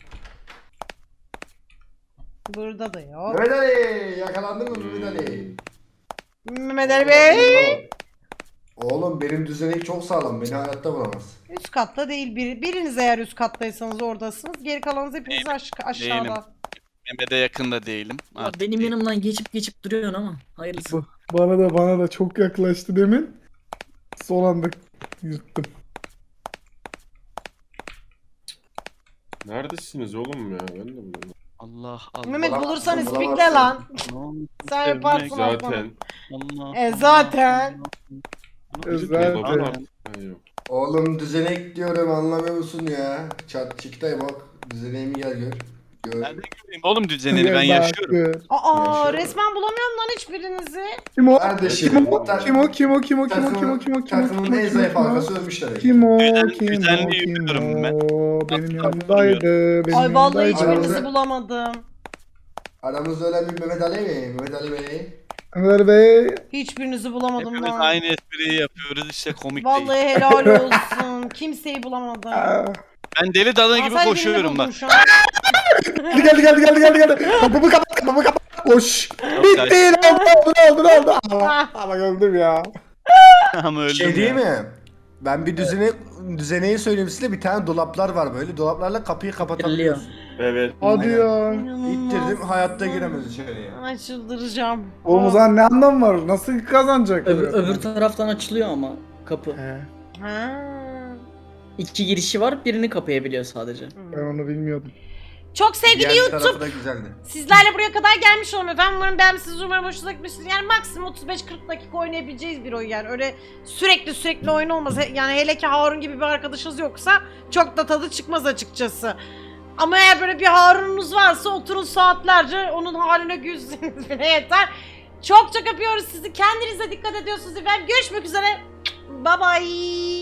[SPEAKER 1] Burada da yok.
[SPEAKER 4] Mehmet Ali! Yakalandın mı Mehmet Ali?
[SPEAKER 1] Mehmet Ali Bey.
[SPEAKER 4] Oğlum benim düzenek çok sağlam. Beni hayatta bulamaz.
[SPEAKER 1] Üst katta değil. Biriniz eğer üst kattaysanız oradasınız. Geri kalanınız hepiniz aşağıda.
[SPEAKER 5] Mehmet'e yakın da değilim.
[SPEAKER 6] Ya
[SPEAKER 5] Artık
[SPEAKER 6] benim
[SPEAKER 5] değil.
[SPEAKER 6] yanımdan geçip duruyorsun ama hayırlısı.
[SPEAKER 2] Bana da çok yaklaştı demin. Son anda yuttum.
[SPEAKER 3] Neredesiniz oğlum ya? Ben de bulamıyorum.
[SPEAKER 5] Allah Allah.
[SPEAKER 1] Mehmet
[SPEAKER 4] Bulamazsın,
[SPEAKER 1] bulursan
[SPEAKER 4] bulamazsın.
[SPEAKER 1] ispikle lan.
[SPEAKER 5] Aman,
[SPEAKER 1] Sen yaparsın aslanım.
[SPEAKER 3] Zaten.
[SPEAKER 5] Allah.
[SPEAKER 1] Zaten.
[SPEAKER 2] Zaten.
[SPEAKER 3] Dolabın Ha, yok.
[SPEAKER 4] Oğlum düzenek diyorum anlamıyor musun ya? Çat çıktay bak. Düzeneğimi gel gör. Gör.
[SPEAKER 5] Ben de göreyim oğlum düzenini ben yaşıyorum.
[SPEAKER 1] Aa
[SPEAKER 4] Yaşıyorum.
[SPEAKER 1] resmen bulamıyorum lan hiçbirinizi.
[SPEAKER 2] Kim o?
[SPEAKER 4] Kardeşim.
[SPEAKER 2] Kim o? Kim o? Kim o? Kim o? Kim o? Kim o?
[SPEAKER 4] Takımın,
[SPEAKER 2] Kim o? Kim o?
[SPEAKER 4] takımın en zayıf halkası ölmüşler.
[SPEAKER 2] Kim o?
[SPEAKER 5] Düzen-
[SPEAKER 2] Kim o?
[SPEAKER 5] düzenli
[SPEAKER 2] Kim
[SPEAKER 5] yürüyorum ben.
[SPEAKER 2] o? Benim
[SPEAKER 5] Kapı
[SPEAKER 2] yanımdaydı. Benim
[SPEAKER 1] Ay vallahi
[SPEAKER 2] yanımdaydı.
[SPEAKER 1] hiçbirinizi bulamadım.
[SPEAKER 4] Aramızda ölen bir Mehmet Ali mi? Mehmet Ali Bey.
[SPEAKER 2] Ömer Bey.
[SPEAKER 1] Hiçbirinizi bulamadım
[SPEAKER 5] Hepimiz
[SPEAKER 1] lan.
[SPEAKER 5] aynı espriyi yapıyoruz işte komik değil.
[SPEAKER 1] Vallahi helal olsun. Kimseyi bulamadım.
[SPEAKER 2] Aa,
[SPEAKER 5] Ben deli dana
[SPEAKER 1] Aa,
[SPEAKER 5] gibi
[SPEAKER 1] sen birini
[SPEAKER 5] koşuyorum
[SPEAKER 1] buldun
[SPEAKER 5] bak.
[SPEAKER 1] şu an.
[SPEAKER 2] Geldi. Kapımı kapat. Koş. Bitti. Ne oldu? Ama öldüm ya.
[SPEAKER 5] Ama öldüm
[SPEAKER 4] Şey değil
[SPEAKER 5] ya.
[SPEAKER 4] mi? Ben bir düzeneği söyleyeyim size. Bir tane dolaplar var böyle. Dolaplarla kapıyı
[SPEAKER 6] Geliyor.
[SPEAKER 4] kapatabiliyorsun.
[SPEAKER 3] Evet.
[SPEAKER 2] Hadi ya.
[SPEAKER 4] İttirdim hayatta giremez içeriye.
[SPEAKER 1] Ay çıldıracağım.
[SPEAKER 2] Oğlum o zaman ne anlam var? Nasıl kazanacak?
[SPEAKER 6] Öbür taraftan açılıyor ama kapı.
[SPEAKER 2] He,
[SPEAKER 1] Ha.
[SPEAKER 6] 2 girişi var, birini kapayabiliyor sadece.
[SPEAKER 2] ben onu bilmiyordum.
[SPEAKER 1] Çok sevgili
[SPEAKER 4] Diğer
[SPEAKER 1] YouTube.
[SPEAKER 4] tarafı da güzeldi.
[SPEAKER 1] Sizlerle buraya kadar gelmiş olun efendim. Umarım beğenmişsiniz, umarım hoşunuza gitmiştir. Yani maksimum 35-40 dakika oynayabileceğiz bir oyun yani. Öyle sürekli oyun olmaz. Yani hele ki Harun gibi bir arkadaşınız yoksa çok da tadı çıkmaz açıkçası. Ama eğer böyle bir Harun'unuz varsa oturun saatlerce onun haline gülseniz bile yeter. Çok öpüyoruz sizi. Kendinize dikkat ediyorsunuz efendim. Görüşmek üzere. Bye bye.